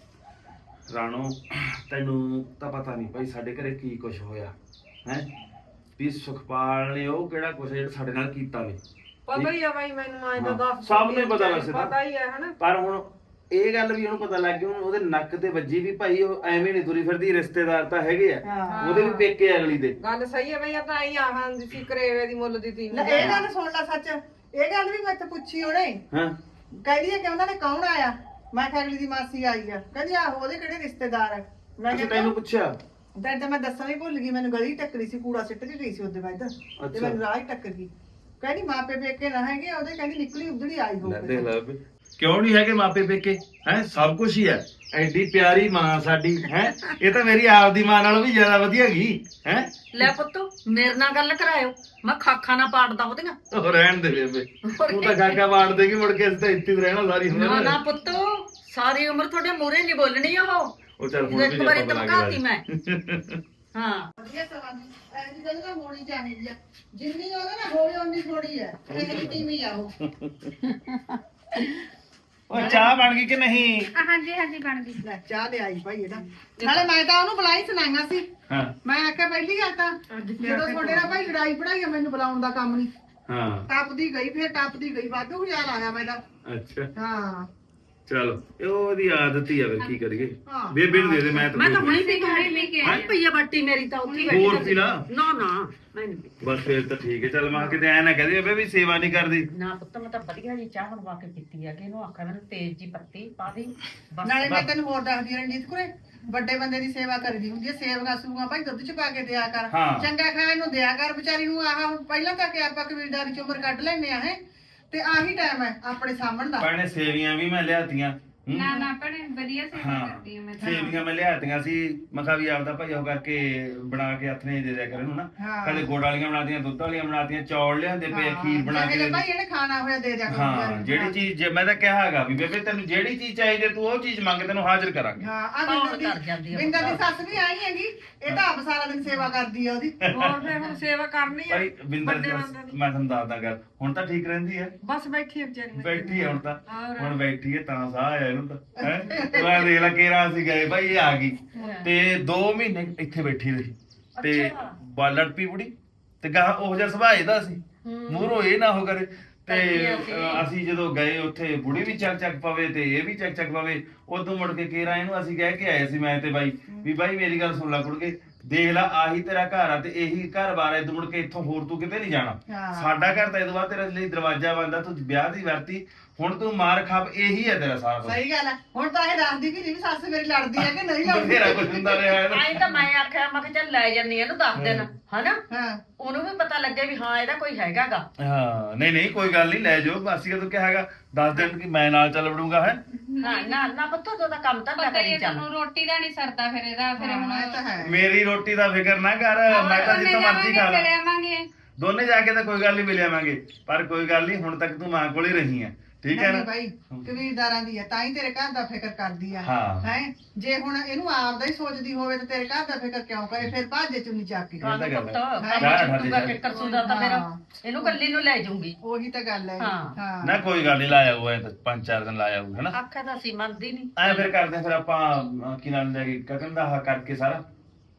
E: ਰਾਣੋ, ਤੈਨੂੰ ਤਾਂ ਪਤਾ ਨਹੀਂ ਭਾਈ ਸਾਡੇ ਘਰੇ ਕੀ ਕੁਝ ਹੋਇਆ ਹੈ। ਵੀ ਸੁਖਪਾਲ ਨੇ ਉਹ ਕਿਹੜਾ ਕੁਝ ਜਿਹੜਾ ਸਾਡੇ ਨਾਲ ਕੀਤਾ ਵੇ।
F: ਪਤਾ ਹੀ ਆ ਬਾਈ ਮੈਨੂੰ ਆਏ ਤਾਂ
E: ਹਾਂ,
F: ਦੱਸ
E: ਸਭ ਨੂੰ ਹੀ ਪਤਾ ਵੈਸੇ ਤਾਂ।
F: ਪਤਾ ਹੀ ਆ ਹਨਾ।
E: ਪਰ ਹੁਣ ਇਹ ਗੱਲ ਵੀ ਉਹਨੂੰ ਪਤਾ ਲੱਗ ਗਈ, ਹੁਣ ਉਹਦੇ ਨੱਕ ਤੇ ਵੱਜੀ ਵੀ ਭਾਈ ਉਹ ਐਵੇਂ ਨਹੀਂ ਤੁਰੀ ਫਿਰਦੀ। ਰਿਸ਼ਤੇਦਾਰ ਤਾਂ ਹੈਗੇ ਆ, ਉਹਦੇ ਵੀ ਪੇਕੇ ਅਗਲੀ ਦੇ।
F: ਗੱਲ ਸਹੀ ਹੈ ਬਈ, ਆ ਤਾਂ ਆਈ ਆਹਾਂ ਦੀ ਸੀ ਕਰੇਵੇ ਦੀ ਮੁੱਲ ਦੀ ਤੀ
A: ਲੈ ਇਹ ਗੱਲ ਸੁਣ ਲੈ ਸੱਚ, ਇਹ ਗੱਲ ਵੀ ਮੈਂ ਤੇ ਪੁੱਛੀ ਉਹਨੇ।
E: ਹਾਂ
A: ਕਹਿੰਦੀ ਹੈ ਕਿ ਉਹਨਾਂ ਨੇ ਕੌਣ ਆਇਆ? ਮੈਂ ਕਿਹਾ ਅਗਲੀ ਦੀ ਮਾਸੀ ਆਈ ਆ। ਕਹਿੰਦੀ ਆਹੋ ਉਹਦੇ ਕਿਹੜੇ ਰਿਸ਼ਤੇਦਾਰ ਹੈ? ਮੈਂ
E: ਅੱਛਾ
A: ਕਿਹਾ
E: ਤੈਨੂੰ ਪੁੱਛਿਆ?
A: ਤਾਂ ਤਾਂ ਮੈਂ ਦੱਸਣਾ ਹੀ ਭੁੱਲ ਗਈ, ਮੈਨੂੰ ਗਲੀ ਟੱਕਰੀ ਸੀ, ਕੂੜਾ ਸਿੱਟ ਕੇ ਗਈ ਸੀ ਉਹਦੇ ਬਾਅਦ ਤੇ
E: ਅੱਛਾ।
A: ਮੈਨੂੰ ਰਾਹ ਹੀ ਟੱਕਰ ਗਈ। ਕਹਿੰਦੀ ਮਾਪੇ ਪੇਕੇ ਨਾ ਹੈਗੇ ਉਹਦੇ, ਕਹਿੰਦੀ ਨਿਕਲੀ ਉਧੜੀ ਆਈ
E: ਲੈ
A: ਹੋਊਗੀ।
E: ਦੇਖ ਲੈ ਵੀ ਕਿਉਂ ਨਹੀਂ ਹੈਗੇ ਮਾਪੇ ਪੇਕੇ ਹੈ। ਸਭ ਕੁਝ ਹੀ ਹੈ। ਐਡੀ ਪਿਆਰੀ ਮਾਂ ਸਾਡੀ ਹੈ। ਇਹ ਤਾਂ ਮੇਰੀ ਆਪਦੀ ਮਾਂ ਨਾਲੋਂ ਵੀ ਜ਼ਿਆਦਾ ਵਧੀਆ ਗਈ ਹੈ।
D: ਲੈ ਪੁੱਤ ਮੇਰੇ ਨਾਲ ਗੱਲ ਕਰਾਇਓ, ਮੈਂ ਖਾਖਾ ਨਾ ਪਾੜਦਾ ਉਹਦੀਆਂ।
E: ਉਹ ਰਹਿਣ ਦੇ ਬੇਬੇ, ਤੂੰ ਤਾਂ ਗਾਗਾ ਵਾੜ ਦੇਗੀ, ਮੁੜ ਕੇ ਅਸੀਂ ਤਾਂ ਇੱਥੇ ਹੀ ਰਹਿਣਾ ਸਾਰੀ
D: ਨਾ
E: ਉਮਰ।
D: ਨਾ ਪੁੱਤ, ਸਾਰੀ ਉਮਰ ਤੁਹਾਡੇ ਮੂਹਰੇ ਨਹੀਂ ਬੋਲਣੀ ਉਹ।
E: ਉਹ ਚੱਲ ਹੁਣ
D: ਇੱਕ
E: ਵੀ
D: ਵਾਰੀ
E: ਆਪਾਂ
D: ਧਮਕਾਤੀ
E: ਬਣਾ
D: ਮੈਂ।
E: ਕੇ
D: ਹਾਂ
A: ਵਧੀਆ ਸਵਾਲ ਐਸੀ ਗੱਲ ਤਾਂ ਹੋਣੀ ਚਾਹੀਦੀ ਆ। ਜਿੰਨੀ ਉਹਦੇ ਨਾਲ ਹੋਵੇ ਉਨੀ ਥੋੜੀ ਹੈ। ਇਹ ਟੀਮੀ ਆ ਉਹ।
E: ਉਹ ਚਾਹ ਬਣ ਗਈ ਕਿ ਨਹੀਂ?
C: ਹਾਂਜੀ ਹਾਂਜੀ ਬਣ ਗਈ।
A: ਲੈ ਚਾਹ ਲੈ ਆਈ ਭਾਈ ਇਹਦਾ। ਨਾਲੇ ਮੈਂ ਤਾਂ ਉਹਨੂੰ ਬੁਲਾਈ ਸੁਣਾਈਆਂ ਸੀ।
E: ਹਾਂ
A: ਮੈਂ ਆਖਿਆ ਪਹਿਲੀ ਗੱਲ ਤਾਂ ਜਦੋਂ ਤੁਹਾਡੇ ਨਾਲ ਭਾਈ ਲੜਾਈ ਪੜਾਈ ਮੈਨੂੰ ਬੁਲਾਉਣ ਦਾ ਕੰਮ ਨਹੀਂ।
E: ਹਾਂ
A: ਟੱਪਦੀ ਗਈ, ਫਿਰ ਟੱਪਦੀ ਗਈ, ਵਾਧੂ ਖਿਆਲ ਆਇਆ ਮੈਂ ਤਾਂ।
E: ਅੱਛਾ
A: ਹਾਂ
E: ਚਲੋ ਇਹ ਉਹਦੀ ਆਦਤ ਹੀ ਆ, ਫਿਰ ਕੀ ਕਰੀਏ।
A: ਹਾਂ।
E: ਬੇਬੇ ਨੂੰ ਦੇ ਦੇ, ਮੈਂ ਤਾਂ
D: ਮੈਂ ਤਾਂ
E: ਬੋਲ-
D: ਹੁਣੇ ਵੀ
C: ਹੁਣੇ ਪੀ ਕੇ ਆਈ।
D: ਪਈਆ ਬਾਟੀ ਮੇਰੀ ਤਾਂ ਉੱਥੇ ਹੀ
E: ਹੋਰ
D: ਬੈਠੀ
E: ਪੀ ਲਾ।
D: ਨਾ ਨਾ ਮੈਂ ਨਹੀਂ ਪੀਤੀ।
E: ਬਸ ਫਿਰ ਤਾਂ ਠੀਕ ਹੈ। ਚੱਲ ਮਾਂ ਕਿਤੇ ਐ ਨਾ ਕਹਦੇ ਬੇਬੇ ਵੀ ਸੇਵਾ ਨਹੀਂ ਕਰਦੀ।
D: ਨਾ ਪੁੱਤ ਮੈਂ ਤਾਂ ਵਧੀਆ ਜੀ ਚਾਹ ਬਣਵਾ ਕੇ ਪੀਤੀ ਆ ਕਿ ਇਹਨੂੰ ਆਖਿਆ ਮੈਨੂੰ ਤੇਜ਼ ਜੀ ਪੱਤੀ ਪਾ ਦੇ ਬਸ।
A: ਨਾਲੇ ਮੈਂ ਤੈਨੂੰ ਹੋਰ ਦੱਸਦੀ ਹਾਂ ਰਣਜੀਤ ਕੁਰੇ, ਵੱਡੇ ਬੰਦੇ ਦੀ ਸੇਵਾ ਕਰੀਦੀ ਹੁੰਦੀ ਹੈ। ਸੇਵਗਾ ਸੂਗਾ ਭਾਈ ਦੁੱਧ ਚ ਪਾ ਕੇ ਦਿਆ ਕਰ,
E: ਹਾਂ।
A: ਚੰਗਾ ਖਾਣ ਨੂੰ ਦਿਆ ਕਰ ਵਿਚਾਰੀ ਨੂੰ। ਆਹ ਹੁਣ ਪਹਿਲਾਂ ਤਾਂ ਕਿ ਆਪਾਂ ਕਬੀਲਦਾਰੀ ਚ ਉਮਰ ਕੱਢ ਲੈਨੇ ਆ ਹੈ, ਤੇ ਆਹੀ ਟਾਈਮ ਹੈ ਆਪਣੇ ਸਾਹਮਣ ਦਾ।
E: ਭੈਣੇ ਸੇਵੀਆਂ ਵੀ ਮੈਂ ਲਿਆਤੀਆਂ। ਹੂੰ।
C: ਨਾ ਨਾ ਭੈਣੇ ਵਧੀਆ ਸੇਵਾ
E: ਹਾਂ
C: ਕਰਦੀ ਹਾਂ ਮੈਂ ਤਾਂ।
E: ਸੇਵੀਆਂ ਮੈਂ ਲਿਆਤੀਆਂ ਸੀ। ਮੈਂ ਕਿਹਾ ਵੀ ਆਪਦਾ ਭਾਈ ਉਹ ਕਰਕੇ ਬਣਾ ਕੇ ਹੱਥ ਨੇ ਦੇ ਦਿਆ ਕਰ ਇਹਨੂੰ ਨਾ।
A: ਹਾਂ।
E: ਕਦੇ ਗੁੜ ਵਾਲੀਆਂ ਬਣਾਤੀਆਂ, ਦੁੱਧ ਵਾਲੀਆਂ ਬਣਾਤੀਆਂ, ਚੌਲ ਲਿਆਂਦੇ ਪਏ ਆ, ਖੀਰ ਬਣਾ ਕੇ
A: ਚਾਹੇ
E: ਦੇ
A: ਭਾਈ ਇਹਨੇ ਖਾਣਾ ਹੋਇਆ ਦੇ ਦਿਆ ਕਰੋ
E: ਹਾਂ
A: ਵਿਚਾਰੀ ਨੂੰ।
E: ਜਿਹੜੀ ਚੀਜ਼ ਜੇ ਮੈਂ ਤਾਂ ਕਿਹਾ ਹੈਗਾ ਵੀ ਬੇਬੇ ਤੈਨੂੰ ਜਿਹੜੀ ਚੀਜ਼ ਚਾਹੀਦੀ ਹੈ, ਤੂੰ ਉਹ ਚੀਜ਼ ਮੰਗ, ਤੈਨੂੰ ਹਾਜ਼ਰ ਕਰਾਂਗੇ।
A: ਹਾਂ ਆ
D: ਕੌਣ
A: ਬਿੰਦਰ
D: ਕਰ ਜਾਂਦੀ
A: ਦੀ
D: ਆ
A: ਬਿੰਦਰ ਦੀ ਸੱਸ ਵੀ ਆਈ ਹੈਗੀ। ਇਹ ਤਾਂ ਆਪ ਸਾਰਾ ਦਿਨ ਸੇਵਾ ਕਰਦੀ ਆ ਉਹਦੀ।
F: ਹੋਰ ਫਿਰ ਹੁਣ ਸੇਵਾ ਕਰਨੀ ਆ
E: ਭਾਈ ਬਿੰਦਰ
F: ਵੱਡੇ
E: ਦੀ
F: ਬੰਦੇ ਦੀ।
E: ਮੈਂ ਤੁਹਾਨੂੰ ਦੱਸਦਾ ਗੱਲ, ਹੁਣ ਤਾਂ ਠੀਕ ਰਹਿੰਦੀ ਹੈ।
F: ਬਸ ਬੈਠੀ ਆ ਵਿਚਾਰੀ।
E: ਬੈਠੀ ਹੈ ਹੁਣ ਤਾਂ।
F: ਹੋਰ।
E: ਹੁਣ ਬੈਠੀ ਹੈ ਤਾਂ ਸਾਹ ਆਇਆ ਇਹਨੂੰ ਤਾਂ ਹੈ। ਮੈਂ ਦੇਖ ਲਾ ਕੇਰਾ ਅਸੀਂ ਗਏ ਭਾਈ, ਇਹ ਆ ਗਈ ਤੇ ਦੋ ਮਹੀਨੇ ਇੱਥੇ ਬੈਠੀ ਰਹੀ ਤੇ ਬਾਲੜ ਪੀ ਬੁੜੀ ਤੇ ਗਾ ਉਹ ਜਿਹਾ ਸੁਭਾਅ ਇਹਦਾ ਸੀ, ਮੂਹਰੋਂ ਇਹ ਨਾ ਹੋ ਕਰੇ। ਤੇ ਅ, ਅਸੀਂ ਜਦੋਂ ਗਏ ਉੱਥੇ ਬੁੜੀ ਵੀ ਚੱਕ ਚੱਕ ਪਵੇ ਤੇ ਇਹ ਵੀ ਚੱਕ ਚੱਕ ਪਵੇ। ਉਦੋਂ ਮੁੜ ਕੇ ਕੇਰਾ ਇਹਨੂੰ ਅਸੀਂ ਕਹਿ ਕੇ ਆਏ ਸੀ ਮੈਂ ਤੇ ਬਾਈ ਵੀ ਬਾਈ ਮੇਰੀ ਗੱਲ ਸੁਣ ਲੈ ਕੁੜਕੇ, ਦੇਖ ਲਾ ਆਹੀ ਤੇਰਾ ਘਰ ਆ ਤੇ ਇਹੀ ਘਰ ਬਾਰ ਹੈ। ਮੁੜ ਕੇ ਇੱਥੋਂ ਹੋਰ ਤੂੰ ਕਿਤੇ ਨਹੀਂ ਜਾਣਾ।
A: ਹਾਂ।
E: ਸਾਡਾ ਘਰ ਤਾਂ ਇਹਦੋਂ ਬਾਅਦ ਤੇਰੇ ਲਈ ਦਰਵਾਜ਼ਾ ਬੰਦਾ, ਤੂੰ ਵਿਆਹ ਦੀ ਵਰਤੀ, ਹੁਣ ਤੂੰ ਮਾਰ ਖਾਪ, ਇਹੀ ਹੈ ਤੇਰਾ ਸਾਰਾ ਕੁਝ।
A: ਸਹੀ ਗੱਲ ਹੈ। ਹੁਣ ਤਾਂ ਇਹ ਦੱਸਦੀ ਕਿ ਨਹੀਂ ਵੀ ਸੱਸ ਮੇਰੀ ਲੜਦੀ ਹੈ ਕਿ ਨਹੀਂ ਲੜਦੀ।
E: ਬਥੇਰਾ ਕੁਝ ਹੁੰਦਾ ਰਿਹਾ ਹੈ ਨਾ।
D: ਆਈ ਤਾਂ ਮੈਂ ਆਖਿਆ ਮੈਂ ਕਿਹਾ ਚੱਲ ਲੈ ਜੰਨੀ ਇਹਨੂੰ ਦੱਸ ਦਿਨ ਹਨਾ,
A: ਹਾਂ
D: ਉਹਨੂੰ ਵੀ ਪਤਾ ਲੱਗੇ ਵੀ ਹਾਂ ਇਹਦਾ ਕੋਈ ਹੈਗਾਗਾ।
E: ਹਾਂ ਨਹੀਂ ਨਹੀਂ ਕੋਈ ਗੱਲ ਨਹੀਂ, ਲੈ ਜਾਓ। ਅਸੀਂ ਕਦੋਂ ਕਿਹਾ ਹੈਗਾ ਦੱਸ ਦਿਨ ਕਿ ਮੈਂ ਨਾਲ ਚੱਲ ਵੜੂੰਗਾ ਹੈ।
D: ਹਾਂ ਨਾ ਨਾ ਪੁੱਤ ਉਹਦਾ ਕੰਮ ਤਾਂ
C: ਪਤਾ ਹੀ
D: ਕਰੀ
C: ਹੈ
D: ਚੱਲ।
C: ਤੁਹਾਨੂੰ ਰੋਟੀ ਦਾ ਨਹੀਂ ਸਰਦਾ ਫਿਰ ਇਹਦਾ। ਫਿਰ ਹੁਣ
A: ਹਾਂ, ਇਹ ਤਾਂ ਹੈ।
E: ਮੇਰੀ ਰੋਟੀ ਦਾ ਫਿਕਰ ਨਾ ਕਰ, ਮੈਂ ਤਾਂ ਜਿੱਥੋਂ ਮਰਜ਼ੀ ਖਾ ਲਾਂ।
C: ਆਵਾਂਗੇ
E: ਦੋਨੇ ਜਾ ਕੇ ਤਾਂ ਕੋਈ ਗੱਲ ਨਹੀਂ ਮਿਲ ਆਵਾਂਗੇ, ਪਰ ਕੋਈ ਗੱਲ ਨਹੀਂ, ਹੁਣ ਤੱਕ ਤੂੰ ਮਾਂ ਕੋਲ ਹੀ ਰਹੀ ਹੈ, ਠੀਕ ਹੈ
A: ਨਹੀਂ
E: ਨਾ।
A: ਭਾਈ ਕਬੀਲਦਾਰਾਂ ਦੀ ਹੈ ਤਾਂ ਹੀ ਤੇਰੇ ਘਰ ਦਾ ਫਿਕਰ ਕਰਦੀ ਆ
E: ਹਾਂ।
A: ਹੈ। ਜੇ ਹੁਣ ਇਹਨੂੰ ਆਪਦਾ ਹੀ ਸੋਚਦੀ ਹੋਵੇ ਤੇ ਤੇਰੇ ਘਰ ਦਾ ਫਿਕਰ ਕਿਉਂ ਕਰੇ? ਫਿਰ ਭਾਜੇ ਚੁੰਨੀ ਚੱਕ ਕੇ।
E: ਇਹ ਤਾਂ ਗੱਲ
D: ਪੁੱਤ
E: ਹੈ।
D: ਕੰਮ ਚੁੱਕੂਗਾ ਫਿਕਰ ਸੁਦਾ ਤਾਂ ਫਿਰ
A: ਹਾਂ।
D: ਇਹਨੂੰ ਕੱਲੀ ਨੂੰ ਲੈ ਜਾਊਂਗੀ।
A: ਉਹੀ ਤਾਂ ਗੱਲ ਹੈ।
D: ਹਾਂ।
A: ਹਾਂ
E: ਨਾ ਕੋਈ ਗੱਲ ਨਹੀਂ, ਲਾਇਆ ਹੋਇਆ ਤਾਂ ਪੰਜ ਚਾਰ ਦਿਨ ਲਾਇਆ ਹੋਊ ਹੈਨਾ।
D: ਆਖਿਆ ਤਾਂ ਅਸੀਂ ਮੰਨਦੀ ਨਹੀਂ।
E: ਐ ਫਿਰ ਕਰਦੇ ਹਾਂ, ਫਿਰ ਆਪਾਂ ਅਹ, ਕੀ ਨਾਮ ਲੈ ਕੇ ਗਗਨ ਦਾ ਆਹ ਕਰਕੇ ਸਾਰਾ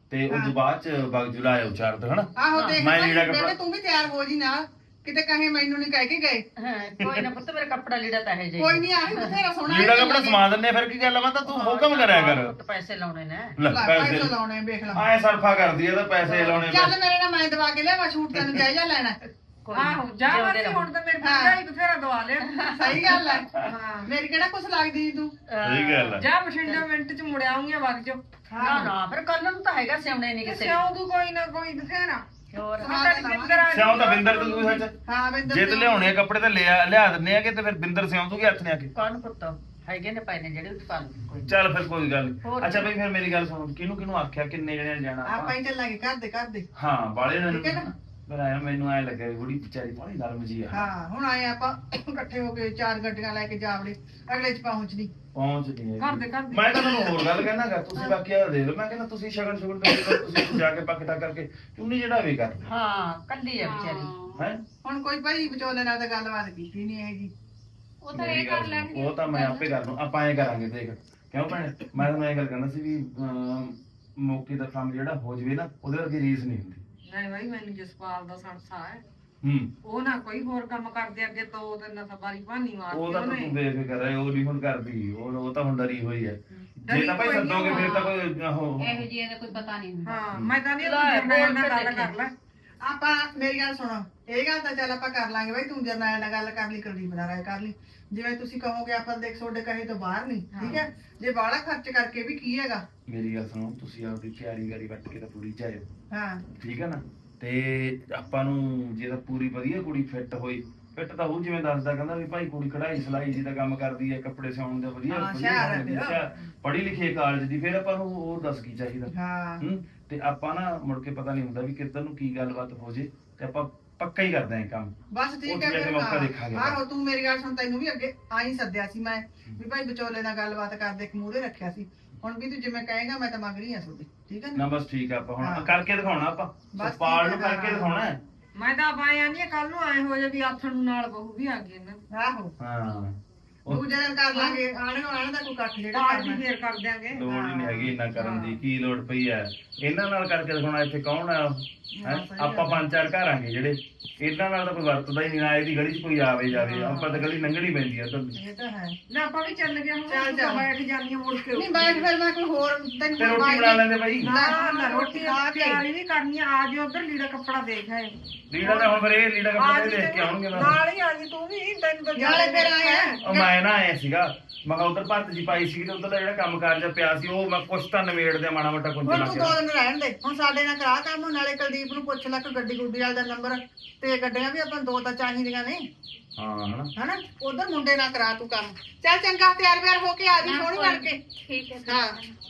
E: ਤੇ ਉਸ ਤੋਂ ਬਾਅਦ ਚ ਬਗ ਜੁਲਾਇਆ ਉਚਾਰ ਦੋ ਹਨਾ
A: ਆਹੋ ਦੇਖ
E: ਮੈਂ
A: ਭਾਈ,
E: ਲੀੜਾ ਕੱਪੜਾ-
A: ਬੇਬੇ ਤੂੰ ਵੀ ਤਿਆਰ ਹੋ ਜੀ ਨਾਲ, ਕਿਤੇ ਕਹੇ ਮੈਨੂੰ ਨਹੀਂ ਕਹਿ ਕੇ ਗਏ।
D: ਹਾਂ ਕੋਈ ਨਾ ਪੁੱਤ ਮੇਰਾ ਕੱਪੜਾ ਲੀੜਾ ਤਾਂ ਹੈ ਜੀ
A: ਕੋਈ ਨਹੀਂ ਆਹੀ ਬਥੇਰਾ ਸੋਹਣਾ
E: ਲੀੜਾ ਕੱਪੜਾ ਸਮਾ ਦਿੰਨੇ ਫਿਰ ਕੀ ਗੱਲ ਆ, ਮੈਂ ਤਾਂ ਤੂੰ ਹੁਕਮ ਕਰਿਆ ਕਰ।
D: ਪੁੱਤ ਪੈਸੇ ਲਾਉਣੇ ਨੇ
E: ਲੈ
A: ਪੈਸੇ
E: ਪੈਸੇ
A: ਲਾਉਣੇ ਵੇਖ ਲਾ।
E: ਆਏ ਸਰਫਾ ਕਰਦੀ ਆ ਤਾਂ ਪੈਸੇ ਲਾਉਣੇ
A: ਚੱਲ ਮੇਰੇ ਨਾਲ ਮੈਂ ਦਵਾ ਕੇ ਲਿਆਵਾਂ ਛੂਟ, ਤੈਨੂੰ ਜਾਇਜ਼ਾ ਲੈਣਾ।
F: ਆਹੋ ਜਾ ਬਸ ਹੁਣ ਤਾਂ ਮੇਰੇ ਭਰਜਾਈ ਬਥੇਰਾ ਦਵਾ ਲਿਆ।
A: ਸਹੀ ਗੱਲ ਹੈ,
F: ਹਾਂ
A: ਮੇਰੀ ਕਿਹੜਾ ਕੁਛ ਲੱਗਦੀ ਨੀ ਤੂੰ।
E: ਸਹੀ ਗੱਲ ਆ।
F: ਜਾ ਬਠਿੰਡਾ ਮਿੰਟ ਚ ਮੁੜ ਆਉਂਗੀ ਵਗ ਜੋ।
D: ਨਾ ਨਾ ਫਿਰ ਕੱਲ ਨੂੰ ਤਾਂ ਹੈਗਾ ਸਿਉਣੇ ਨਹੀਂ ਕਿਸੇ
F: ਸਿਆਉ ਤੂੰ ਕੋਈ ਨਾ ਕੋਈ ਬਥੇਰਾ।
D: ਹੋਰ
F: ਮੈਂ ਤਾਂ ਬਿੰਦਰ ਆ
E: ਸਿਆਉਂ ਤਾਂ ਬਿੰਦਰ ਤੂੰ ਸੱਚ
A: ਹਾਂ ਬਿੰਦਰ
E: ਜੇ ਤੇ ਲਿਆਉਣੇ ਆ ਕੱਪੜੇ ਤਾਂ ਲਿਆ ਲਿਆ ਦਿੰਨੇ ਆ ਕਿ ਤੇ ਫਿਰ ਬਿੰਦਰ ਸਿਆਉਂ ਤੂੰ ਹੱਥ ਨੇ ਆ ਕੇ
D: ਕੌਣ ਪੁੱਤ ਹੈਗੇ ਨੇ ਪਏ ਨੇ ਜਿਹੜੇ ਉੱਤੇ ਪਾ ਲਓ ਕੋਈ
E: ਚੱਲ ਫਿਰ ਕੋਈ ਗੱਲ ਨੀ।
D: ਹੋਰ
E: ਅੱਛਾ ਬਈ ਫਿਰ ਮੇਰੀ ਗੱਲ ਸੁਣ ਕਿਹਨੂੰ ਕਿਹਨੂੰ ਆਖਿਆ ਕਿੰਨੇ ਜਣੇ ਜਾਣਾ
A: ਆਪਾਂ ਹੀ ਚੱਲਾਂਗੇ ਘਰ ਦੇ ਘਰ ਦੇ।
E: ਹਾਂ ਬਾਲੇ ਨੇ
A: ਠੀਕ ਹੈ ਨਾ?
E: ਫਿਰ ਆਇਆ ਮੈਨੂੰ ਐ ਲੱਗਾ ਬੁੜੀ ਵਿਚਾਰੀ ਪਾਣੀ ਨਰਮ ਜੀ ਆ
A: ਹਾਂ ਹੁਣ ਆਏ ਆਪਾਂ ਇਕੱਠੇ ਹੋ ਕੇ ਚਾਰ ਗੱਡੀਆਂ ਲੈ ਕੇ ਜਾਵੜੇ, ਅਗਲੇ ਚ ਪਹੁੰਚਦੀ।
E: ਪਹੁੰਚਦੀ ਹੈ
F: ਘਰ ਦੇ ਘਰ ਦੇ।
E: ਮੈਂ ਤਾਂ ਤੁਹਾਨੂੰ ਹੋਰ ਗੱਲ ਕਹਿਣਾਗਾ ਤੁਸੀਂ ਬਾਕੀ ਆ ਦੇ ਲਓ ਮੈਂ ਕਹਿੰਦਾ ਤੁਸੀਂ ਸ਼ਗਨ ਸ਼ੁਗਨ ਤੇ ਤੁਸੀਂ ਜਾ ਕੇ ਪੱਕਟਾ ਕਰਕੇ ਚੁੰਨੀ ਜਿਹੜਾ ਵੀ ਕਰ
D: ਹਾਂ ਕੱਲੀ ਆ ਵਿਚਾਰੀ
E: ਹੈ
A: ਹੁਣ ਕੋਈ ਭਾਈ ਵਿਚੋਲੇ ਨਾਲ ਤਾਂ ਗੱਲਬਾਤ ਕੀਤੀ ਨਹੀਂ ਹੈਗੀ।
C: ਉਹ ਤਾਂ ਇਹ ਕਰ ਲੈਣਗੇ।
E: ਉਹ ਤਾਂ ਮੈਂ ਆਪੇ ਕਰ ਲੂੰ ਆਪਾਂ ਐ ਕਰਾਂਗੇ ਦੇਖ ਕਿਉਂ ਭੈਣੇ ਮੈਂ ਤੁਹਾਨੂੰ ਇਹ ਗੱਲ ਕਰਨਾ ਸੀ ਵੀ ਅਮ, ਮੌਕੇ ਦਾ ਕੰਮ ਜਿਹੜਾ ਹੋ ਜਵੇ ਨਾ ਉਹਦੇ ਵਰਗੀ ਰੀਸ ਨਹੀਂ ਹੁੰਦੀ।
F: ਨਹੀਂ ਬਾਈ ਮੈਨੂੰ ਜਸਪਾਲ ਦਾ ਸੰਸਾ ਹੈ,
E: ਹੂੰ
F: ਉਹ ਨਾ ਕੋਈ ਹੋਰ ਕੰਮ ਕਰਦੇ ਅੱਗੇ ਤੋਂ ਉਹ ਤੇ ਨਾ ਸਵਾਰੀ ਭਾਨੀ ਮਾਰਦੀ
E: ਉਹ ਤਾਂ
F: ਉਹਨੇ।
E: ਤੂੰ ਬੇਫਿਕਰ ਹੈ ਉਹ ਨਹੀਂ ਹੁਣ ਕਰਦੀ ਉਹ ਉਹ ਤਾਂ ਹੁਣ ਡਰੀ ਹੋਈ ਹੈ ਜੇ
F: ਡਰੀ
E: ਤਾਂ ਭਾਈ
F: ਹੋਈ
E: ਸੱਦੋਗੇ ਫਿਰ ਤਾਂ ਕੋਈ ਉਹ
C: ਇਹੋ ਜਿਹੀ ਦਾ ਕੋਈ ਪਤਾ ਨਹੀਂ ਹੁੰਦਾ।
F: ਹਾਂ ਮੈਂ ਤਾਂ ਨਹੀਂ
D: ਲੈ,
F: ਜਰਨੈਲ ਨਾਲ
D: ਬੋਲ
F: ਗੱਲ
D: ਕੇ
F: ਕਰ ਲੈ।
A: ਆਪਾਂ ਮੇਰੀ ਗੱਲ ਸੁਣੋ, ਇਹ ਗੱਲ ਤਾਂ ਚੱਲ ਆਪਾਂ ਕਰ ਲਾਂਗੇ ਬਾਈ, ਤੂੰ ਜਰਨੈਲ ਨਾਲ ਗੱਲ ਕਰ ਲਈ, ਕੁਲਦੀਪ ਨਾਲ ਰਾਏ ਕਰ ਲਈ, ਜਿਵੇਂ ਤੁਸੀਂ ਕਹੋਗੇ ਆਪਾਂ ਦੇਖ ਤੁਹਾਡੇ ਕਹੇ ਤੋਂ ਬਾਹਰ ਨਹੀਂ, ਠੀਕ ਹੈ। ਜੇ ਬਾਹਲਾ ਖਰਚ ਕਰਕੇ ਵੀ ਕੀ ਹੈਗਾ।
E: ਮੇਰੀ ਗੱਲ ਸੁਣੋ ਤੁਸੀਂ ਆਪਦੀ ਤਿਆਰੀ ਕਰੀ ਵੱਟ ਕੇ ਤਾਂ ਪੂਰੀ ਜਾਇਓ
A: ਹਾਂ
E: ਠੀਕ ਹੈ ਨਾ ਤੇ ਆਪਾਂ ਨੂੰ ਜੇ ਤਾਂ ਪੂਰੀ ਵਧੀਆ ਕੁੜੀ ਫਿੱਟ ਹੋਈ ਫਿੱਟ ਤਾਂ ਉਹ ਜਿਵੇਂ ਦੱਸਦਾ ਕਹਿੰਦਾ ਵੀ ਭਾਈ ਕੁੜੀ ਕਢਾਈ ਸਿਲਾਈ ਦੀ ਤਾਂ ਕੰਮ ਕਰਦੀ ਹੈ ਕੱਪੜੇ ਸਿਉਣ ਦਾ ਵਧੀਆ
A: ਹਾਂ, ਹੁਸ਼ਿਆਰ ਹੈ
E: ਵਧੀਆ
A: ਫਿਰ।
E: ਪੜ੍ਹੀ ਲਿਖੀ ਕਾਲਜ ਦੀ ਫਿਰ ਆਪਾਂ ਨੂੰ ਉਹ ਦੱਸ ਕੀ ਚਾਹੀਦਾ
A: ਹਾਂ
E: ਹੂੰ ਤੇ ਆਪਾਂ ਨਾ ਮੁੜ ਕੇ ਪਤਾ ਨਹੀਂ ਹੁੰਦਾ ਵੀ ਕਿੱਧਰ ਨੂੰ ਕੀ ਗੱਲਬਾਤ ਹੋ ਜੇ ਤੇ ਆਪਾਂ ਪੱਕਾ ਹੀ ਕਰਦੇ ਆਂ ਕੰਮ
A: ਬਸ ਠੀਕ
E: ਉੱਥੇ
A: ਹੈ
E: ਜਾ ਕੇ
A: ਫਿਰ।
E: ਮੌਕਾ ਦੇਖਾਂਗੇ।
A: ਹਾਂ ਆਹੋ ਤੂੰ ਮੇਰੀ ਗੱਲ ਸੁਣ, ਤੈਨੂੰ ਵੀ ਅੱਗੇ ਆਈ ਸੱਦਿਆ ਸੀ ਮੈਂ ਵੀ ਭਾਈ ਵਿਚੋਲੇ ਨਾਲ ਗੱਲਬਾਤ ਕਰਦੇ ਇੱਕ ਮੂਹਰੇ ਰੱਖਿਆ ਸੀ। ਹੁਣ ਵੀ ਤੂੰ ਜਿਵੇਂ ਕਹੇਗਾ ਮੈਂ ਤਾਂ ਮੰਗ ਰਹੀ ਹਾਂ ਤੁਹਾਡੀ, ਠੀਕ ਹੈ
E: ਨਾ
A: ਨਾ।
E: ਬਸ ਠੀਕ ਆ ਆਪਾਂ ਹੁਣ
A: ਹਾਂ।
E: ਕਰਕੇ ਦਿਖਾਉਣਾ ਆਪਾਂ
A: ਬਸ
E: ਪਾਲ
A: ਠੀਕ
E: ਨੂੰ
A: ਹੈ,
E: ਕਰਕੇ
A: ਹਾਂ।
E: ਦਿਖਾਉਣਾ ਹੈ।
F: ਮੈਂ ਤਾਂ ਆਇਆ ਨਹੀਂ ਕੱਲ ਨੂੰ ਆਏ ਹੋ ਜੇ ਵੀ ਆਥਣ ਨੂੰ ਨਾਲ ਬਹੂ ਵੀ ਆ ਗਈ ਇਹਨਾਂ
A: ਆਹੋ
E: ਹਾਂ ਉਹ
A: ਤੂੰ ਜਦੋਂ ਕਰ ਲਾਂਗੇ ਆਣ ਆਣ ਦਾ ਕੋਈ ਇਕੱਠ ਜਿਹੜਾ
F: ਪਾਰਟੀ
A: ਕਰਨਾ।
F: ਫੇਰ ਕਰ ਦਿਆਂਗੇ।
E: ਲੋੜ ਹੀ ਨਹੀਂ ਹੈਗੀ ਇੰਨਾ ਕਰਨ ਦੀ ਕੀ ਲੋੜ ਪਈ ਹੈ ਇਹਨਾਂ ਨਾਲ ਕਰਕੇ ਦਿਖਾਉਣਾ ਇੱਥੇ ਕੌਣ ਆ ਹੈਂ? ਆਪਾਂ ਪੰਜ ਚਾਰ ਘਰ ਆਂਗੇ ਜਿਹੜੇ ਇਹਨਾਂ ਨਾਲ ਤਾਂ ਕੋਈ ਵਰਤਦਾ ਹੀ ਨਹੀਂ ਨਾ ਇਹਦੀ ਗਲੀ 'ਚ ਕੋਈ ਆਵੇ ਜਾਵੇ ਆਪਾਂ ਤਾਂ ਗਲੀ ਲੰਘਣੀ ਪੈਂਦੀ ਆ ਤਾਂ
A: ਇਹ ਤਾਂ ਹੈ।
F: ਨਾ ਆਪਾਂ ਵੀ ਚੱਲ ਗਏ ਹੁਣ
A: ਚੱਲ,
F: ਤੂੰ ਤਾਂ
A: ਚੱਲ।
F: ਬੈਠ ਜਾਂਦੀ ਮੁੜ ਕੇ
A: ਨਹੀਂ ਬੈਠ ਫਿਰ ਮੈਂ ਕੋਈ ਹੋਰ ਤੈਨੂੰ
E: ਤੇ ਰੋਟੀ ਬਣਾ ਲੈਂਦੇ ਬਾਈ
F: ਨਾ ਨਾ ਰੋਟੀ ਆ ਤਿਆਰੀ ਵੀ ਕਰਨੀ ਆ ਆ ਜਿਓ ਉਧਰ ਲੀੜਾ ਕੱਪੜਾ ਦੇਖ ਆਏ
E: ਲੀੜਾ ਤਾਂ ਹੁਣ ਫਿਰ ਇਹ ਲੀੜਾ
F: ਆ
E: ਕੱਪੜਾ
F: ਜੀ
E: ਦੇਖ ਕੇ ਆਉਣਗੇ ਨਾ
F: ਨਾਲ ਹੀ ਆ ਜੀ ਤੂੰ ਵੀ ਤੈਨੂੰ ਤਾਂ
A: ਨਾਲੇ ਫਿਰ ਆਇਆ
E: ਉਹ ਮੈਂ ਨਾ ਆਇਆ ਸੀਗਾ ਮੈਂ ਕਿਹਾ ਉਧਰ ਭਰਤ ਜੀ ਪਾਈ ਸੀ ਤੇ ਉਧਰ ਦਾ ਜਿਹੜਾ ਕੰਮ ਕਾਰ ਜਿਹਾ ਪਿਆ ਸੀ ਉਹ ਮੈਂ ਕੁਛ ਤਾਂ ਨਿਬੇੜ ਦਿਆਂ ਮਾੜਾ ਮੋਟਾ ਕੁੰਜ
A: ਹੁਣ
E: ਲਾ
A: ਤੂੰ
E: ਕੇ
A: ਦੋ ਦਿਨ ਰਹਿਣ ਦੇ, ਹੁਣ ਸਾਡੇ ਨਾਲ ਕਰਾ ਕੰਮ, ਨਾਲੇ ਕੁਲਦੀਪ ਨੂੰ ਪੁੱਛ ਲੈ ਕਿ ਗੱਡੀ ਗੁੱਡੀ ਵਾਲੇ ਦਾ ਨੰਬਰ, ਤੇ ਗੱਡੀਆਂ ਵੀ ਆਪਾਂ ਦੋ ਤਾਂ ਚਾਹੀਦੀਆਂ ਨੇ
E: ਹਾਂ ਹਨਾ
A: ਹਨਾ। ਉਧਰ ਮੁੰਡੇ ਨਾਲ ਕਰਾ ਤੂੰ ਕੰਮ। ਚੱਲ ਚੰਗਾ ਤਿਆਰ ਬਿਆਰ ਹੋ ਕੇ ਆ ਜੀ ਸੋਹਣੀ ਬਣ ਕੇ।
C: ਠੀਕ ਹੈ
A: ਹਾਂ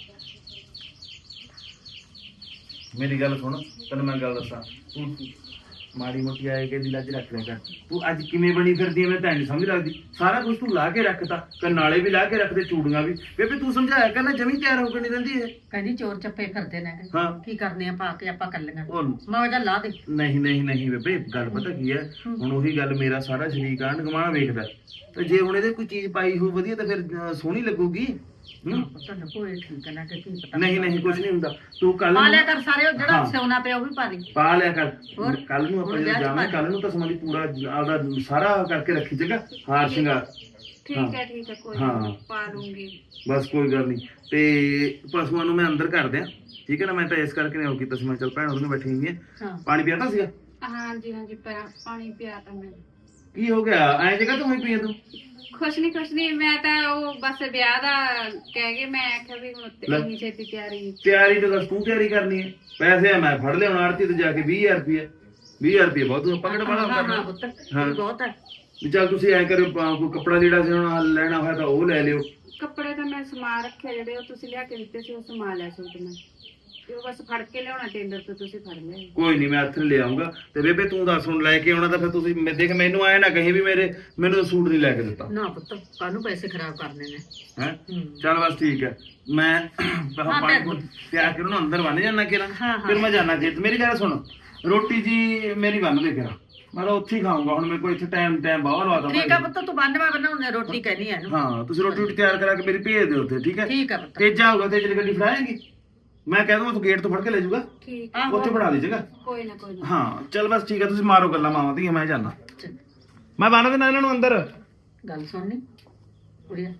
E: ਮੇਰੀ ਗੱਲ ਸੁਣ ਤੈਨੂੰ ਮੈਂ ਗੱਲ ਦੱਸਾਂ ਤੂੰ ਮਾੜੀ ਮੋਟੀ ਆਏ ਕੇ ਦੀ ਲੱਜ ਰੱਖ ਲਿਆ ਕਰ ਤੂੰ ਅੱਜ ਕਿਵੇਂ ਬਣੀ ਫਿਰਦੀ ਐ ਮੈਂ ਤਾਂ ਨਹੀਂ ਸਮਝ ਲੱਗਦੀ ਸਾਰਾ ਕੁਝ ਤੂੰ ਲਾ ਕੇ ਰੱਖਤਾ ਕਨਾਲੇ ਵੀ ਲਾ ਕੇ ਰੱਖਦੇ ਚੂੜੀਆਂ ਵੀ ਬੇਬੇ ਤੂੰ ਸਮਝਾਇਆ ਕਰ ਨਾ ਜਮੀ ਤਿਆਰ ਹੋ ਕੇ ਨਹੀਂ ਰਹਿੰਦੀ ਇਹ
D: ਕਹਿੰਦੀ ਚੋਰ ਚੱਪੇ ਫਿਰਦੇ ਨੇ
E: ਹਾਂ
D: ਕੀ ਕਰਨੇ ਆ ਪਾ ਕੇ ਆਪਾਂ ਕਰ ਲੈਣਾ
E: ਉਹ
D: ਮੈਂ ਉਹਦਾ ਲਾ ਦੇ
E: ਨਹੀਂ ਨਹੀਂ ਨਹੀਂ ਬੇਬੇ ਗੱਲ ਪਤਾ ਕੀ ਹੈ ਹੁਣ ਉਹੀ ਗੱਲ ਮੇਰਾ ਸਾਰਾ ਸ਼ਰੀਕ ਆਣ ਗਵਾਹ ਵੇਖਦਾ ਤੇ ਜੇ ਹੁਣ ਇਹਦੇ ਕੋਈ ਚੀਜ਼ ਪਾਈ ਹੋ ਵਧੀਆ ਤਾਂ ਫਿਰ ਅਹ, ਸੋਹਣੀ ਲੱਗੂਗੀ ਹੂੰ
D: ਤੁਹਾਨੂੰ ਕੋਈ ਠੀਕ ਹੈ ਨਾ ਕਿ ਕੀ ਪਤਾ
E: ਨਹੀਂ ਨਹੀਂ ਕੁਝ ਨਹੀਂ ਹੁੰਦਾ ਤੂੰ ਕੱਲ
D: ਪਾ ਲਿਆ ਕਰ ਸਾਰੇ ਉਹ ਜਿਹੜਾ
E: ਹਾਂ।
D: ਸਿਉਣਾ ਪਿਆ ਉਹ ਵੀ ਪਾ ਲਈ
E: ਪਾ ਲਿਆ ਕਰ
D: ਹੋਰ?
E: ਕੱਲ ਨੂੰ ਆਪਾਂ
D: ਹੁਣ
E: ਜਦੋਂ
D: ਵਿਆਹ 'ਚ
E: ਜਾਵਾਂ
D: ਪਾ
E: ਕੱਲ ਨੂੰ ਤਾਂ ਸਮਾਂ ਪੂਰਾ ਆਪਦਾ ਸਾਰਾ ਕਰਕੇ ਰੱਖੀ ਜਗਾ ਹਾਰ ਸ਼ਿੰਗਾਰ
C: ਠੀਕ ਹੈ ਠੀਕ ਹੈ ਕੋਈ
E: ਹਾਂ।
C: ਨੀ, ਪਾ ਲੂੰਗੀ।
E: ਬਸ ਕੋਈ ਗੱਲ ਨਹੀਂ ਤੇ ਪਸ਼ੂਆਂ ਨੂੰ ਮੈਂ ਅੰਦਰ ਕਰ ਦਿਆਂ ਠੀਕ ਹੈ ਨਾ ਮੈਂ ਤਾਂ ਇਸ ਕਰਕੇ ਨਹੀਂ ਹੋ ਕੀਤਾ ਸੀ ਮੈਂ ਚੱਲ ਭੈਣ ਉਹਨੂੰ ਬੈਠੀ ਹੋਈ ਹੈ
D: ਹਾਂ
E: ਪਾਣੀ ਪਿਆਤਾ ਸੀਗਾ
C: ਹਾਂਜੀ ਹਾਂਜੀ ਪਰ ਪਾਣੀ ਪਿਆ ਤਾਂ ਮੈਂ
E: ਕੀ ਹੋ ਗਿਆ ਐਂ ਜਗ੍ਹਾ ਤੋਂ ਹੋਈ ਪਈ ਆ ਤੂੰ
C: ਕੁਛ ਨਹੀਂ ਕੁਛ ਨਹੀਂ, ਮੈਂ ਤਾਂ ਉਹ ਬਸ ਵਿਆਹ ਦਾ ਕਹਿ ਗਏ, ਮੈਂ ਆਖਿਆ ਵੀ ਹੁਣ
E: ਲੈ।
C: ਇੰਨੀ ਛੇਤੀ ਤਿਆਰੀ।
E: ਤਿਆਰੀ ਤਾਂ ਦੱਸ ਤੂੰ ਤਿਆਰੀ ਕਰਨੀ ਹੈ ਪੈਸੇ ਆ ਮੈਂ ਫੜ ਲਿਆਉਣਾ ਆੜਤੀ ਤੇ ਜਾ ਕੇ ਵੀਹ ਹਜ਼ਾਰ ਰੁਪਏ ਵੀਹ ਹਜ਼ਾਰ ਰੁਪਏ ਬਹੁਤ ਆਪਾਂ ਕਿਹੜਾ ਬਾਹਲਾ
D: ਹਾਂ ਹਾਂ
E: ਕਰਨਾ
D: ਪੁੱਤ
E: ਹਾਂ।
D: ਇਹ ਬਹੁਤ ਹੈ
E: ਵੀ ਚੱਲ ਤੁਸੀਂ ਐਂ ਕਰਿਓ ਪਾ- ਕੋਈ ਕੱਪੜਾ ਲੀੜਾ ਸੀ ਹੁਣ ਲੈਣਾ ਹੋਇਆ ਤਾਂ ਉਹ ਲੈ ਲਿਓ
C: ਕੱਪੜੇ ਤਾਂ ਮੈਂ ਸਮਾ ਰੱਖਿਆ, ਜਿਹੜੇ ਉਹ ਤੁਸੀਂ ਲਿਆ ਕੇ ਦਿੱਤੇ ਸੀ ਉਹ ਸਮਾ ਲਿਆ ਸੂਟ ਮੈਂ, ਤੇ ਉਹ ਬਸ ਫੜ ਕੇ ਲਿਆਉਣਾ ਟੇਲਰ ਤੋਂ, ਤੁਸੀਂ ਫੜ ਲਿਆ।
E: ਕੋਈ ਨਹੀਂ ਮੈਂ ਹੱਥ ਲੈ ਆਉਂਗਾ ਤੇ ਬੇਬੇ ਤੂੰ ਦੱਸ ਹੁਣ ਲੈ ਕੇ ਆਉਣਾ ਤਾਂ ਫਿਰ ਤੁਸੀਂ ਮੈਂ ਦੇਖ ਮੈਨੂੰ ਆਏ ਨਾ ਕਹੀਂ ਵੀ ਮੇਰੇ ਮੈਨੂੰ ਤਾਂ ਸੂਟ ਨਹੀਂ ਲੈ ਕੇ ਦਿੱਤਾ
D: ਨਾ ਪੁੱਤ ਕਾਹਨੂੰ ਪੈਸੇ ਖਰਾਬ ਕਰਨੇ ਨੇ
E: ਹੈ
D: ਹੂੰ
E: ਚੱਲ ਬਸ ਠੀਕ ਹੈ ਮੈਂ
D: ਹਾਂ,
E: ਪਾਣੀ
D: ਭੈਣ।
E: ਤਿਆਰ ਕਰੋ ਨਾ ਅੰਦਰ ਬਣ ਜਾਣਾ ਕਿਰਾਂ
D: ਹਾਂ, ਹਾਂ।
E: ਫਿਰ ਮੈਂ ਜਾਣਾ ਜੇ ਮੇਰੀ ਗੱਲ ਸੁਣ ਰੋਟੀ ਜੀ ਮੇਰੀ ਬੰਨ ਦੇ ਕਿਰਾਂ ਮੈਂ ਤਾਂ ਉੱਥੇ ਹੀ ਖਾਊਂਗਾ ਹੁਣ ਮੇਰੇ ਕੋਲ ਇੱਥੇ ਟਾਈਮ ਟਾਈਮ ਬਾਹਰ ਲਵਾ ਦਾਂ
D: ਠੀਕ ਆ ਪੁੱਤ ਤੂੰ ਬੰਨਵਾ ਬਣਾਉਣੇ ਰੋਟੀ ਕਹਿਨੀ ਹੈ ਇਹਨੂੰ
E: ਹਾਂ ਤੁਸੀਂ ਰੋਟੀ ਰੋਟੀ ਤਿਆਰ ਕਰਾ ਕੇ ਮੇਰੀ ਭੇਜ ਦਿਓ ਉੱਥੇ ਠੀਕ ਹੈ
D: ਠੀਕ ਆ ਪੁੱਤ
E: ਤੇਜਾ ਹੋਊਗਾ ਤੇਜ ਗੱਡੀ ਫੜਾਏਗੀ ਮੈਂ ਕਹਿ ਦੂੰਗਾ ਤੂੰ ਗੇਟ ਤੋਂ ਫੜ ਕੇ ਲੈ ਜਾਊਗਾ,
C: ਠੀਕ
E: ਉੱਥੇ ਬਣਾ ਦੀ ਜਗ੍ਹਾ।
C: ਕੋਈ ਨਾ ਕੋਈ ਨਾ
E: ਹਾਂ ਚੱਲ ਬਸ ਠੀਕ ਆ, ਤੁਸੀਂ ਮਾਰੋ ਗੱਲਾਂ ਮਾਵਾਂ ਦੀਆਂ, ਮੈਂ ਜਾਣਾ, ਮੈਂ ਬੰਨ ਦੇਣਾ ਇਹਨਾਂ ਨੂੰ ਅੰਦਰ।
D: ਗੱਲ ਸੁਣਨੀ ਕੁੜੀਆ,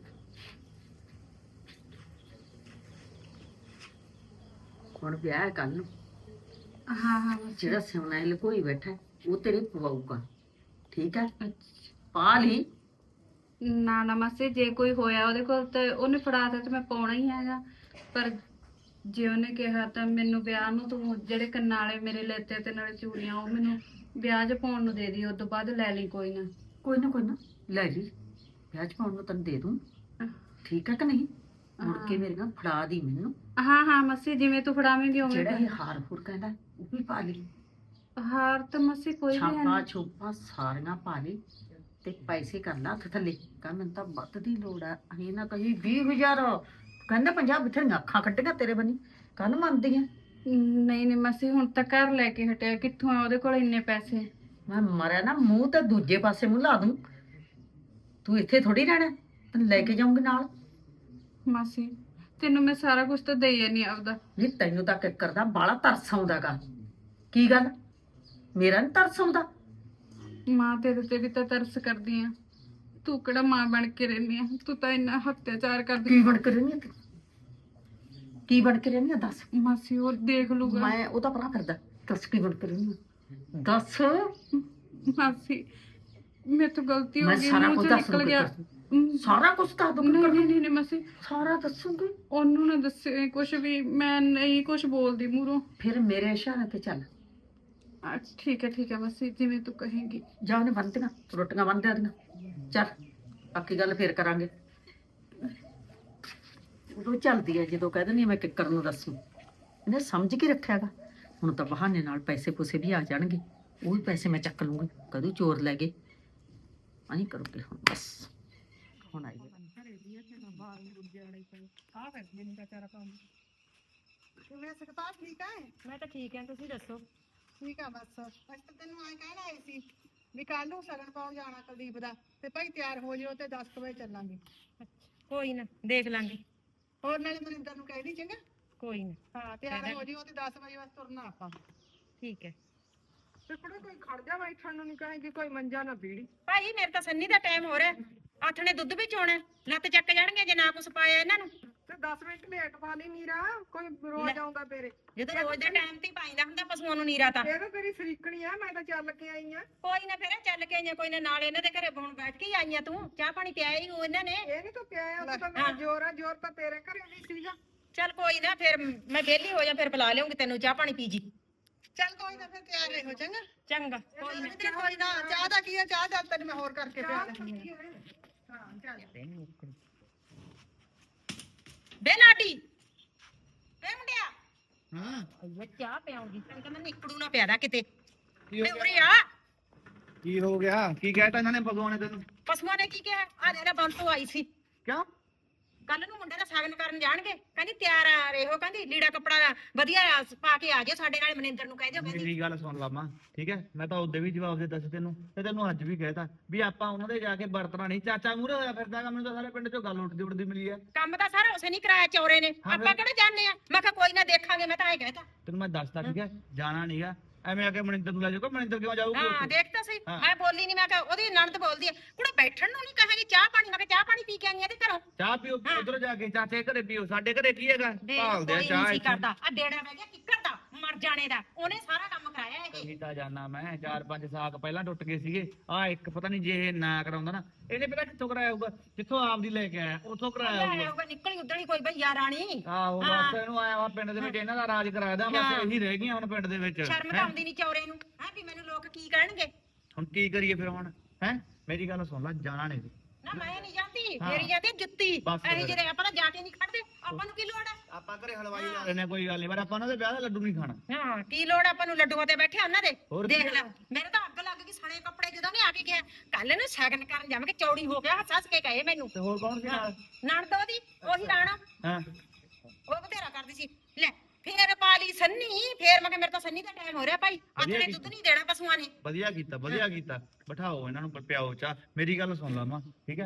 D: ਹੁਣ ਵਿਆਹ ਹੈ ਕੱਲ ਨੂੰ,
C: ਹਾਂ ਹਾਂ
D: ਜਿਹੜਾ ਸਿਉਣਾ ਹੈ ਲਕੋਈ ਬੈਠਾ ਹੈ, ਉਹ ਤੇਰੇ ਪਵਾਊਗਾ, ਠੀਕ ਹੈ? ਪਾ ਲਈ।
C: ਨਾ ਨਾ ਮਾਸੀ, ਜੇ ਕੋਈ ਹੋਇਆ ਉਹਦੇ ਕੋਲ ਤੇ ਉਹਨੇ ਫੜਾਤਾ ਤੇ ਮੈਂ ਪਾਉਣਾ ਹੀ ਹੈਗਾ, ਪਰ ਜੇ ਉਹਨੇ ਕਿਹਾ ਤਾਂ ਮੈਨੂੰ ਵਿਆਹ ਨੂੰ ਤੂੰ ਜਿਹੜੇ ਕੰਨਾਂ ਵਾਲੇ ਮੇਰੇ ਲੈਤੇ ਤੇ ਨਾਲੇ ਚੂੜੀਆਂ ਉਹ ਮੈਨੂੰ ਵਿਆਹ 'ਚ ਪਾਉਣ ਨੂੰ ਦੇ ਦੀ, ਉਸ ਤੋਂ ਬਾਅਦ ਲੈ ਲਈ ਕੋਈ ਨਾ।
D: ਕੋਈ ਨਾ ਕੋਈ ਨਾ ਲੈ ਜੀ, ਵਿਆਹ ਚ ਪਾਉਣ ਨੂੰ ਤੈਨੂੰ ਦੇ ਦੂੰ, ਠੀਕ ਹੈ ਕਿ ਨਹੀਂ? ਮੁੜ ਕੇ ਮੇਰੇ ਨਾਲ ਫੜਾ ਦੀ ਮੈਨੂੰ।
C: ਹਾਂ ਹਾਂ ਮਾਸੀ, ਜਿਵੇਂ ਤੂੰ ਫੜਾਵੇਂਗੀ ਉਵੇਂ
D: ਜਿਹੜਾ ਇਹ ਹਾਰ ਫੁਰ ਕਹਿੰਦਾ ਉਹ ਵੀ ਪਾ ਲਈ,
C: ਹਾਰ ਤਾਂ ਮਾਸੀ ਕੋਈ ਵੀ ਹੈ
D: ਛਾਪਾ
C: ਨਹੀਂ।
D: ਛੋਪਾ ਸਾਰੀਆਂ ਪਾ ਲਈ ਤੇ ਪੈਸੇ ਕਰ ਲਾ ਹੱਥ ਥੱਲੇ, ਕਹ ਮੈਨੂੰ ਤਾਂ ਵੱਧ ਦੀ ਲੋੜ ਆ, ਅਸੀਂ ਨਾ ਕਹੀ ਵੀਹ ਹਜ਼ਾਰ, ਕਹਿੰਦਾ ਪੰਜਾਹ ਬਥੇਰੀਆਂ ਅੱਖਾਂ ਕੱਢੀਆਂ ਤੇਰੇ ਬਣੀ, ਕੱਲ ਮੰਨਦੀਆਂ।
C: ਨਹੀਂ ਨਹੀਂ ਮਾਸੀ, ਹੁਣ ਤਾਂ ਘਰ ਲੈ ਕੇ ਹਟਿਆ, ਕਿੱਥੋਂ ਆ ਉਹਦੇ ਕੋਲ ਇੰਨੇ ਪੈਸੇ?
D: ਮੈਂ ਮਰਿਆ ਨਾ ਮੂੰਹ ਤੇ ਦੂਜੇ ਪਾਸੇ ਮੂੰਹ ਲਾ ਦੂੰ, ਤੂੰ ਇੱਥੇ ਥੋੜੀ ਰਹਿਣਾ, ਤੈਨੂੰ ਲੈ ਕੇ ਜਾਊਂਗੀ ਨਾਲ।
C: ਮਾਸੀ ਤੈਨੂੰ ਮੈਂ ਸਾਰਾ ਕੁਝ ਤਾਂ ਦੇਈ ਨਹੀਂ ਆਪਦਾ।
D: ਨਹੀਂ ਤੈਨੂੰ ਤਾਂ ਕਿੱਕਰ ਦਾ ਬਾਲਾ ਤਰਸ ਆਉਂਦਾਗਾ, ਕੀ ਗੱਲ ਮੇਰਾ ਨੀ ਤਰਸ ਆਉਂਦਾ?
C: ਮਾਂ ਤੇਰੇ ਤੇ ਵੀ ਤਾਂ ਤਰਸ ਕਰਦੀ ਆ, ਤੂੰ ਕਿਹੜਾ ਮਾਂ ਬਣ ਕੇ ਰਹਿੰਦੀ ਆ, ਤੂੰ ਤਾਂ ਇੰਨਾ ਹੱਤਿਆਚਾਰ ਕਰਦੀ।
D: ਕੀ ਬਣ ਕੇ ਰਹਿੰਦੀ ਆ ਤੂੰ? ਕੀ ਬਣ ਕੇ ਰਹਿੰਦੀ ਆ ਦੱਸ?
C: ਮਾਸੀ ਉਹ ਦੇਖ ਲੂਗਾ।
D: ਮੈਂ ਉਹਦਾ ਭਰਾ ਫਿਰਦਾ, ਦੱਸ ਕੀ ਬਣ ਕੇ ਰਹਿੰਦੀ ਆ ਦੱਸ?
C: ਮਾਸੀ ਮੇਰੇ ਤੋਂ ਗਲਤੀ ਹੋ
D: ਮੈਂ
C: ਗਈ,
D: ਸਾਰਾ
C: ਮੂੰਹ
D: ਕੁਝ
C: ਚੋਂ
D: ਦੱਸ
C: ਨਿਕਲ ਗਿਆ।
D: ਦੂੰਗੀ, ਸਾਰਾ ਕੁਝ ਦੱਸ ਦੂੰਗੀ,
C: ਨਹੀਂ ਨਹੀਂ ਨਹੀਂ ਨਹੀਂ ਮਾਸੀ,
D: ਸਾਰਾ ਦੱਸੂਗੀ।
C: ਉਹਨੂੰ ਨਾ ਦੱਸੇ ਕੁਝ ਵੀ, ਮੈਂ ਨਹੀਂ ਕੁਝ ਬੋਲਦੀ ਮੂਹਰੋਂ।
D: ਫਿਰ ਮੇਰੇ ਇਸ਼ਾਰੇ ਤੇ ਚੱਲ।
C: ਅੱਛਾ ਠੀਕ ਹੈ ਠੀਕ ਹੈ ਮਾਸੀ, ਜਿਵੇਂ ਤੂੰ ਕਹੇਂਗੀ।
D: ਜਾ ਉਹਨੇ ਬੰਨ੍ਹਤੀਆਂ ਰੋਟੀਆਂ ਬੰਨ ਦਿਆ ਦੀਆਂ, ਚੱਲ ਬਾਕੀ ਗੱਲ ਫੇਰ ਕਰਾਂਗੇ। ਉਦੋਂ ਚੱਲਦੀ ਹੈ ਜਦੋਂ ਕਹਿ ਦਿੰਦੀ ਹਾਂ ਮੈਂ ਕਿੱਕਰ ਨੂੰ ਦੱਸੂ, ਇਹਨੇ ਸਮਝ ਕੇ ਰੱਖਿਆਗਾ। ਹੁਣ ਤਾਂ ਬਹਾਨੇ ਨਾਲ ਪੈਸੇ ਪੂਸੇ ਵੀ ਆ ਜਾਣਗੇ, ਉਹ ਵੀ ਪੈਸੇ ਮੈਂ ਚੱਕ ਲੂੰਗੀ, ਕਦੋਂ ਚੋਰ ਲੈ ਗਏ ਆਹੀਂ ਕਰੂਗੇ ਹੁਣ ਬਸ। ਹੁਣ ਆਈ
A: ਕਿਵੇਂ ਸਕਤਾ ਠੀਕ ਹੈ?
F: ਮੈਂ ਤਾਂ ਠੀਕ ਹਾਂ, ਤੁਸੀਂ ਦੱਸੋ?
A: ਠੀਕ ਆ ਬਸ, ਅਸੀਂ ਤਾਂ ਤੈਨੂੰ ਐਂ ਕਹਿਣਾ ਆਏ ਸੀ ਵੀ ਕੱਲ ਨੂੰ ਸਗਨ ਪਾਉਣ ਜਾਣਾ ਕੁਲਦੀਪ ਦਾ, ਤੇ ਭਾਈ ਤਿਆਰ ਹੋ ਜਿਓ ਤੇ ਦਸ ਕੁ ਵਜੇ ਚੱਲਾਂਗੇ।
F: ਕੋਈ ਨਾ ਦੇਖ ਲਾਂਗੇ।
A: ਹੋਰ ਨਾਲੇ ਮਨਿੰਦਰ ਨੂੰ ਕਹਿ ਦੀ ਚੰਗਾ।
F: ਕੋਈ ਨਾ
A: ਹਾਂ ਤਿਆਰ ਹੋ ਜਿਓ ਤੇ ਦਸ ਵਜੇ ਬਸ ਤੁਰਨਾ ਆਪਾਂ।
F: ਠੀਕ ਹੈ।
A: ਤੇ ਕੁੜੇ ਕੋਈ ਖੜ ਜਾ ਬੈਠਣ ਨੂੰ ਨਹੀਂ ਕਹੇਗੀ, ਕੋਈ ਮੰਜਾ ਨਾ ਬੀੜੀ।
F: ਭਾਈ ਮੇਰੇ ਤਾਂ ਸੰਨੀ ਦਾ ਟਾਈਮ ਹੋ ਰਿਹਾ, ਆਥਣੇ ਦੁੱਧ ਵੀ ਚੋਣਾ, ਲੱਤ ਚੱਕ ਜਾਣਗੇ ਜੇ ਨਾ ਕੁਛ ਪਾਇਆ ਇਹਨਾਂ ਨੂੰ।
A: ਤੇ ਦਸ ਮਿੰਟ ਲੇਟ ਪਾ ਲਈ ਨੀਰਾ, ਕੋਈ ਰੋਜ਼ ਆਉਂਦਾ ਤੇਰੇ।
F: ਜਦੋਂ ਰੋਜ਼ ਦੇ ਟਾਈਮ ਤੇ ਹੀ ਪਾਈਦਾ ਹੁੰਦਾ ਪਸ਼ੂਆਂ ਨੂੰ ਨੀਰਾ ਤਾਂ।
A: ਇਹ ਤਾਂ ਤੇਰੀ ਸਰੀਕਣੀ ਆ, ਮੈਂ ਤਾਂ ਚੱਲ ਕੇ ਆਈ ਆ।
F: ਕੋਈ ਨਾ ਫਿਰ ਚੱਲ ਕੇ ਆਈਆਂ, ਕੋਈ ਨਾ ਨਾਲ ਇਹਨਾਂ ਦੇ ਘਰੇ ਹੁਣ ਬੈਠ ਕੇ ਹੀ ਆਈਆਂ ਤੂੰ, ਚਾਹ ਪਾਣੀ ਪਿਆਇਆ ਹੀ ਉਹ ਇਹਨਾਂ ਨੇ।
A: ਇਹ ਨਹੀਂ ਤੂੰ ਪਿਆਇਆ, ਉਹ ਤਾਂ ਮੇਰਾ ਜ਼ੋਰ ਆ, ਜ਼ੋਰ ਤਾਂ ਤੇਰੇ ਘਰੇ ਨਹੀਂ ਸੀਗਾ।
F: ਚੱਲ ਕੋਈ ਨਾ, ਫਿਰ ਮੈਂ ਵਿਹਲੀ ਹੋ ਜਾ, ਫਿਰ ਪਿਲਾ ਲਿਆਉਂਗੀ ਤੈਨੂੰ ਚਾਹ ਪਾਣੀ ਪੀ ਜੀ।
A: ਚੱਲ ਕੋਈ ਨਾ ਫਿਰ ਤਿਆਰ ਰਹੋ ਚੰਗਾ।
F: ਚੰਗਾ ਕੋਈ ਨਾ।
A: ਕੋਈ ਨਾ ਚਾਹ ਦਾ ਕੀ ਆ, ਚਾਹ ਦਾ ਤੈਨੂੰ ਮੈਂ ਹੋਰ ਕਰਕੇ ਪਿਆ ਲੈਂਦੀ ਹਾਂ। ਹਾਂ ਚੱਲ
F: ਬੇ ਲਾਟੀ ਬੇ ਮੁੰਡਿਆ, ਹਾਂ ਇਹ ਚਾਹ ਪਿਆਉਂਗੀ, ਤੈਨੂੰ ਕਹਿੰਦਾ ਨਿਕੜੂ ਨਾ ਪਿਆਦਾ ਕਿਤੇ। ਤੇ ਉਰੇ ਆ,
G: ਕੀ ਹੋ ਗਿਆ? ਕੀ ਕਹਿਤਾ ਇਹਨਾਂ ਨੇ ਭਗਵਾਨ ਨੇ ਤੈਨੂੰ?
F: ਪਸ਼ੂਆਂ ਨੇ ਕੀ ਕਿਹਾ? ਆ ਜਿਹੜਾ ਬੰਦ ਤੋਂ ਆਈ ਸੀ,
G: ਕਿਉਂ?
F: ਕੱਲ ਨੂੰ ਮੁੰਡੇ ਦਾ ਸਾਗਨ ਕਰਨ ਜਾਣਗੇ, ਕਹਿੰਦੀ ਤਿਆਰ ਆ ਰਹੋ, ਕਹਿੰਦੀ ਲੀੜਾ ਕੱਪੜਾ ਵਧੀਆ ਪਾ ਕੇ ਆ ਜਾਓ ਸਾਡੇ ਨਾਲ, ਮਨਿੰਦਰ ਨੂੰ ਕਹਿ ਦਿਓ। ਕਹਿੰਦੀ
G: ਮੇਰੀ ਗੱਲ ਸੁਣ ਲਾਮਾ, ਠੀਕ ਹੈ? ਮੈਂ ਤਾਂ ਉਹਦੇ ਵੀ ਜਵਾਬ ਦੇ ਦੱਸ ਤੈਨੂੰ, ਤੇ ਤੈਨੂੰ ਅੱਜ ਵੀ ਕਹਿਤਾ ਵੀ ਆਪਾਂ ਉਹਨਾਂ ਦੇ ਜਾ ਕੇ ਵਰਤਣਾ ਨਹੀਂ। ਚਾਚਾ ਮੂਹਰੇ ਹੋਇਆ ਫਿਰਦਾਗਾ, ਮੈਨੂੰ ਤਾਂ ਸਾਰੇ ਪਿੰਡ ਚੋਂ ਗੱਲ ਉੱਠਦੀ ਉੱਠਦੀ ਮਿਲੀ ਹੈ।
F: ਕੰਮ ਤਾਂ ਸਾਰਾ ਉਸੇ ਨਹੀਂ ਕਰਾਇਆ, ਚੌਰੇ ਨੇ।
G: ਹਾਂ ਫਿਰ।
F: ਆਪਾਂ ਕਿਹੜਾ ਜਾਣਦੇ ਆ? ਮੈਂ ਕਿਹਾ ਕੋਈ ਨਾ ਦੇਖਾਂਗੇ, ਮੈਂ ਤਾਂ ਐ ਕਹਿਤਾ।
G: ਤੈਨੂੰ ਮੈਂ ਦੱਸਦਾ, ਠੀਕ ਹੈ? ਜਾਣਾ ਨਹੀਂਗਾ, ਐਵੇਂ ਆ ਕੇ ਮਨਿੰਦਰ ਨੂੰ ਲੈ ਜਾਊਗਾ। ਮਨਿੰਦਰ ਕਿਉਂ ਜਾਊਗਾ
F: ਹਾਂ
G: ਉੱਥੇ?
F: ਦੇਖ ਤਾਂ ਸਹੀ,
G: ਹਾਂ।
F: ਮੈਂ ਬੋਲੀ ਨਹੀਂ, ਮੈਂ ਕਿਹਾ ਉਹਦੀ ਨਣਦ ਬੋਲਦੀ ਹੈ, ਕੁੜੇ ਬੈਠਣ ਨੂੰ ਨਹੀਂ ਕਹਾਂਗੀ ਚਾਹ ਪਾਣੀ। ਮੈਂ ਕਿਹਾ ਚਾਹ ਪਾਣੀ ਪੀ ਕੇ ਆਈ ਆ ਤੇ ਘਰੋਂ।
G: ਚਾਹ ਪੀਓ ਉਧਰ ਜਾ ਕੇ, ਚਾਚੇ ਘਰੇ ਪੀਓ, ਸਾਡੇ ਘਰੇ ਕੀ ਹੈਗਾ?
F: ਦੇਖ
G: ਭਾਲਦੇ ਆ
F: ਕੋਈ
G: ਚਾਹ
F: ਨਹੀਂ ਸੀ
G: ਇੱਥੇ।
F: ਕਰਦਾ, ਆ ਡੇੜਾ ਬਹਿ ਗਿਆ ਕਿੱਕਰ ਦਾ, ਮਰ ਜਾਣੇ ਦਾ, ਉਹਨੇ ਸਾਰਾ ਕੰਮ ਕਰਾਇਆ ਇਹ।
G: ਕਹੀ ਤਾਂ ਜਾਣਾ ਮੈਂ, ਚਾਰ ਪੰਜ ਸਾਕ ਪਹਿਲਾਂ ਟੁੱਟ ਗਏ ਸੀਗੇ। ਆ ਇੱਕ ਪਤਾ ਨਹੀਂ ਜੇ ਇਹ ਨਾ ਕਰਾਉਂਦਾ ਨਾ, ਇਹਨੇ ਪਤਾ ਕਿੱਥੋਂ ਕਰਾਇਆ ਹੋਊਗਾ? ਜਿੱਥੋਂ ਆਪਦੀ ਲੈ ਕੇ ਆਇਆ ਉੱਥੋਂ ਕਰਾਇਆ ਹੋਊਗਾ।
F: ਆਊਗਾ ਨਿਕਲੀ ਉਧਰ ਹੀ ਕੋਈ ਭਈਆ ਰਾਣੀ।
G: ਆਹੋ ਬਸ ਇਹਨੂੰ ਆਇਆ ਵਾ ਪਿੰਡ ਦੇ ਵਿੱਚ ਇਹਨਾਂ ਦਾ ਰਾਜ ਕਰਾਦਾ, ਬਸ ਇਹੀ ਰਹਿ ਗਈਆਂ ਹੁਣ ਪਿੰਡ ਦੇ ਵਿੱਚ।
F: ਸ਼ਰਮ ਤਾਂ ਆਉਂਦੀ ਨਹੀਂ ਚੌਰੇ ਨੂੰ, ਹੈ ਵੀ ਮੈਨੂੰ ਲੋਕ ਕੀ ਕਹਿਣਗੇ।
G: ਹੁਣ ਕੀ ਕਰੀਏ ਫਿਰ ਹੁਣ? ਹੈ ਮੇਰੀ ਗੱਲ ਸੁਣ ਲੈ, ਜਾਣਾ ਨਹੀਂ।
F: ਨਾ ਮੈਂ ਨਹੀਂ ਜਾਂਦੀ,
G: ਹਾਂ।
F: ਮੇਰੀ ਜਾਂਦੀ ਜੁੱਤੀ।
G: ਬਸ
F: ਐ
G: ਫਿਰ।
F: ਜਿਹੜੇ ਆਪਾਂ ਤਾਂ ਜਾ ਕੇ ਨਹੀਂ ਖੜਦੇ, ਆਪਾਂ ਨੂੰ ਕੀ ਲੋੜ ਹੈ?
G: ਆਪਾਂ ਘਰੇ ਹਲਵਾਈ ਲਾ ਲੈਣੇ, ਕੋਈ ਗੱਲ ਨਹੀਂ, ਪਰ ਆਪਾਂ ਉਹਨਾਂ ਦੇ ਵਿਆਹ ਦਾ ਲੱਡੂ ਨਹੀਂ ਖਾਣਾ।
F: ਹਾਂ ਕੀ ਲੋੜ ਆਪਾਂ ਨੂੰ ਲੱਡੂਆਂ ਤੇ ਬੈਠੇ ਉਹਨਾਂ ਦੇ।
G: ਹੋਰ
F: ਦੇਖ
G: ਕੀ?
F: ਲੈ ਮੇਰੇ ਤਾਂ ਅੱਗ ਲੱਗ ਗਈ ਸਣੇ ਕੱਪੜੇ ਜਦੋਂ ਨੇ ਆ ਕੇ ਗਿਆ। ਕੱਲ ਨੂੰ ਸ਼ਗਨ ਕਰਨ ਜਾਵਾਂਗੇ, ਚੌੜੀ ਹੋ ਗਿਆ, ਹੱਸ ਹੱਸ ਕੇ ਕਹੇ ਮੈਨੂੰ।
G: ਤੇ ਹੋਰ ਕੌਣ ਸੀ ਨਾਲ?
F: ਨਣਦ ਉਹਦੀ, ਉਹੀ ਰਾਣਾ,
G: ਹਾਂ
F: ਉਹ ਬਥੇਰਾ ਕਰਦੀ ਸੀ। ਲੈ ਫੇਰ ਪਾ ਲਈ ਸੰਨੀ, ਫੇਰ ਮੈਂ ਕਿਹਾ ਮੇਰੇ ਤਾਂ ਸੰਨੀ ਦਾ ਟਾਈਮ ਹੋ ਰਿਹਾ ਭਾਈ, ਅੱਜ ਨੇ ਦੁੱਧ ਨਹੀਂ ਦੇਣਾ ਪਸ਼ੂਆਂ ਨੇ।
G: ਵਧੀਆ ਕੀਤਾ, ਵਧੀਆ ਕੀਤਾ। ਬਿਠਾਓ ਇਹਨਾਂ ਨੂੰ, ਪਿਆਓ ਚਾਹ। ਮੇਰੀ ਗੱਲ ਸੁਣ ਲਾ ਮਾਂ, ਠੀਕ ਹੈ?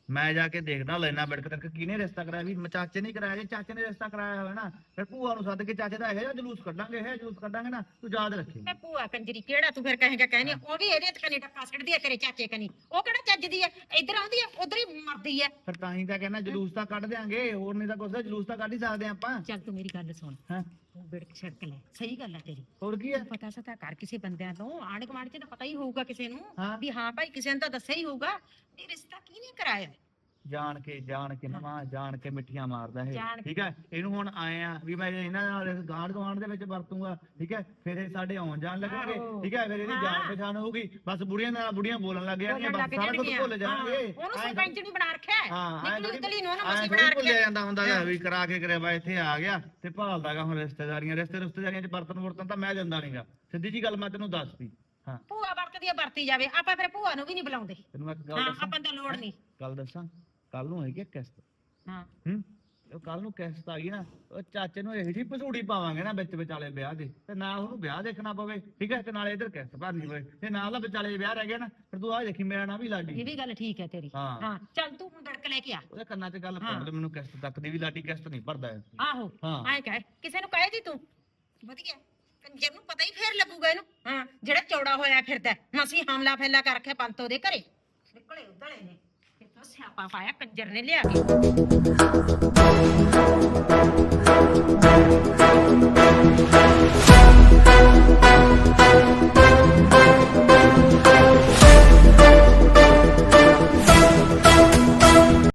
G: ਮੈਂ ਜਾ ਕੇ ਦੇਖਦਾ ਲੈਣਾ ਬਿੜਕ ਤੱਕ ਕਿਹਨੇ ਰਿਸ਼ਤਾ ਕਰਾਇਆ ਵੀ ਮ- ਚਾਚੇ ਨੇ ਕਰਾਇਆ ਜੇ ਚਾਚੇ ਨੇ ਰਿਸ਼ਤਾ ਕਰਾਇਆ ਹੋਇਆ ਨਾ ਫਿਰ ਭੂਆ ਨੂੰ ਸੱਦ ਕੇ ਚਾਚੇ ਦਾ ਇਹੋ ਜਿਹਾ ਜਲੂਸ ਕੱਢਾਂਗੇ ਇਹ ਜਲੂਸ ਕੱਢਾਂਗੇ ਨਾ ਤੂੰ ਯਾਦ ਰੱਖੀ
F: ਮੈਂ ਭੂਆ ਕੰਜਰੀ ਕਿਹੜਾ ਤੂੰ ਫਿਰ ਕਹੇਗਾ ਕਹਿੰਦੀ ਉਹ ਵੀ ਇਹਦੇ ਤੇ ਕਨੀ ਟੱਕਾ ਸਿੱਟਦੀ ਆ ਤੇਰੇ ਚਾਚੇ ਕਨੀ ਉਹ ਕਿਹੜਾ ਚੱਜਦੀ ਆ ਇੱਧਰ ਆਉਂਦੀ ਆ ਉਧਰ ਹੀ ਮਰਦੀ ਆ
G: ਫਿਰ ਤਾਂ ਹੀ ਤਾਂ ਕਹਿੰਦਾ ਜਲੂਸ ਤਾਂ ਕੱਢ ਦਿਆਂਗੇ ਹੋਰ ਨਹੀਂ ਤਾਂ ਕੁਛ ਜਲੂਸ ਤਾਂ ਕੱਢ ਹੀ ਸਕਦੇ ਹਾਂ ਆਪਾਂ
F: ਚੱਲ ਤੂੰ ਮੇਰੀ ਗੱਲ ਸੁਣ
G: ਹਾਂ
F: ਤੂੰ ਬਿੜਕ ਛੜਕ ਲੈ ਸਹੀ ਗੱਲ ਆ ਤੇਰੀ
G: ਹੋਰ ਕੀ ਹੈ
F: ਪਤਾ ਸਤਾ ਕਰ ਕਿਸੇ ਬੰਦਿਆਂ ਤੋਂ ਆਂਢ ਗੁਆਂਢ ਚ ਤਾਂ ਪਤਾ ਹੀ ਹੋਊਗਾ ਕਿਸੇ ਨੂੰ
G: ਹਾਂ।
F: ਵੀ ਹਾਂ ਭਾਈ ਕਿਸੇ ਨੇ ਤਾਂ ਦੱਸਿਆ ਹੀ ਹੋਊਗਾ ਇਹ ਰਿਸ਼ਤਾ ਕਿਹਨੇ ਕਰਾਇਆ
G: ਜਾਣ ਕੇ ਜਾਣ ਕੇ ਨਵਾਂ ਜਾਣ ਕੇ ਮਿੱਠੀਆਂ ਮਾਰਦਾ ਇਹ
F: ਜਾਣ ਕੇ।
G: ਠੀਕ ਹੈ ਇਹਨੂੰ ਹੁਣ ਆਏ ਆ ਵੀ ਮੈਂ ਇਹਨਾਂ ਨਾਲ ਗਾਂਢ ਗਵਾਂਢ ਦੇ ਵਿੱਚ ਵਰਤੂੰਗਾ ਠੀਕ ਹੈ ਫਿਰ ਇਹ ਸਾਡੇ ਆਉਣ ਜਾਣ ਲੱਗਣਗੇ
F: ਆਹੋ।
G: ਠੀਕ ਹੈ ਫਿਰ ਇਹਦੀ ਜਾਣ
F: ਹਾਂ।
G: ਪਛਾਣ ਹੋਊਗੀ ਬਸ ਬੁੜੀਆਂ ਨਾਲ ਬੁੜੀਆਂ ਬੋਲਣ ਲੱਗ ਜਾਣਗੀਆਂ
F: ਬੋਲਣ
G: ਬਸ
F: ਲੱਗ
G: ਸਾਰਾ ਕੁਝ
F: ਜਾਣਗੀਆਂ।
G: ਭੁੱਲ ਜਾਣਗੇ
F: ਹਾਂ, ਉਹਨੂੰ
G: ਐਂ
F: ਸਰਪੰਚ ਨਹੀਂ ਬਣਾ ਰੱਖਿਆ ਹੈ।
G: ਹਾਂ ਐਂ
F: ਨਿਕਲੀ
G: ਥੋੜ੍ਹੀ-
F: ਉਤਲੀ ਨੂੰ ਉਹਨੂੰ
G: ਐਂ
F: ਮਸੀਂ
G: ਥੋੜ੍ਹੀ
F: ਬਣਾ
G: ਭੁੱਲਿਆ
F: ਰੱਖਿਆ
G: ਜਾਂਦਾ ਹੁੰਦਾ ਗਾ ਵੀ ਕਰਾ ਕੇ ਕਰਿਆ ਵਾ ਇੱਥੇ ਆ ਗਿਆ ਤੇ ਭਾਲਦਾਗਾ ਹੁਣ ਰਿਸ਼ਤੇਦਾਰੀਆਂ ਰਿਸ਼ਤੇ ਰਿਸ਼ਤੇਦਾਰੀਆਂ ਚ ਬਰਤਨ ਵਰਤਨ ਤਾਂ ਮੈਂ ਦਿੰਦਾ ਨਹੀਂਗਾ ਸਿੱਧੀ ਜੀ ਗੱਲ ਮੈਂ ਤੈਨੂੰ ਦੱਸਤੀ ਹਾਂ
F: ਭੂਆ ਵਰਤਦੀ ਆ ਵਰਤੀ ਜਾਵੇ ਆਪਾਂ ਫਿਰ ਭੂਆ ਨੂੰ ਵੀ ਨਹੀਂ ਬੁਲਾਉਂਦੇ
G: ਤੈਨੂੰ ਮੈਂ ਇੱਕ ਗੱਲ
F: ਹਾਂ
G: ਦੱਸਾਂ
F: ਆਪਾਂ ਤਾਂ ਲੋੜ ਨਹੀਂ
G: ਗੱਲ ਦੱਸਾਂ ਕੱਲ ਨੂੰ ਹੈਗੀ ਆ ਕਿਸ਼ਤ
F: ਹਾਂ
G: ਹੂੰ ਉਹ ਕੱਲ ਨੂੰ ਕਿਸ਼ਤ ਆ ਗਈ ਨਾ ਉਹ ਚਾਚੇ ਨੂੰ ਇਹੋ ਜਿਹੀ ਪਸੂੜੀ ਪਾਵਾਂਗੇ ਨਾ ਵਿੱਚ ਵਿਚਾਲੇ ਵਿਆਹ ਦੇ ਤੇ ਨਾ ਉਹਨੂੰ ਵਿਆਹ ਦੇਖਣਾ ਪਵੇ ਠੀਕ ਹੈ ਤੇ ਨਾਲੇ ਇਧਰ ਕਿਸ਼ਤ ਭਰਨੀ ਪਵੇ ਤੇ ਨਾਲ ਦਾ ਵਿਚਾਲੇ ਵਿਆਹ ਰਹਿ ਗਿਆ ਨਾ ਫਿਰ ਤੂੰ ਆਹ ਦੇਖੀ ਮੇਰਾ ਨਾਂ ਵੀ ਲਾਡੀ
F: ਇਹ ਵੀ ਗੱਲ ਠੀਕ ਹੈ ਤੇਰੀ
G: ਹਾਂ।
F: ਹਾਂ ਚੱਲ ਤੂੰ ਹੁਣ ਦੜਕ ਲੈ ਕੇ ਆ
G: ਉਹਦੇ ਕੰਨਾਂ 'ਚ ਗੱਲ
F: ਹਾਂ।
G: ਪਾਉਣ ਦੇ ਮੈਨੂੰ ਕਿਸ਼ਤ ਤੱਕ ਦੀ ਵੀ ਲਾਡੀ ਕਿਸ਼ਤ ਨਹੀਂ ਭਰਦਾ ਹੈ
F: ਆਹੋ
G: ਹਾਂ।
F: ਐਂ ਕਹੇ ਕਿਸੇ ਨੂੰ ਕਹੇ ਦੀ ਤੂੰ ਵਧੀਆ ਕੰਜਰ ਨੂੰ ਪਤਾ ਹੀ ਫੇਰ ਲੱਗੂਗਾ ਇਹਨੂੰ ਹਾਂ ਜਿਹੜਾ ਚੌੜਾ ਹੋਇਆ ਫਿਰਦਾ ਮਸੀਂ ਹਮਲਾ ਫੈਲਾ ਕਰ ਰੱਖਿਆ ਪੰਤ ਉਹਦੇ ਘਰੇ ਨਿਕਲੇ ਉਧਲੇ ਨੇ ਕਿਥੋਂ ਸਿਆਪਾ ਪਾਇਆ ਕੰਜਰ ਨੇ ਲਿਆ ਕੇ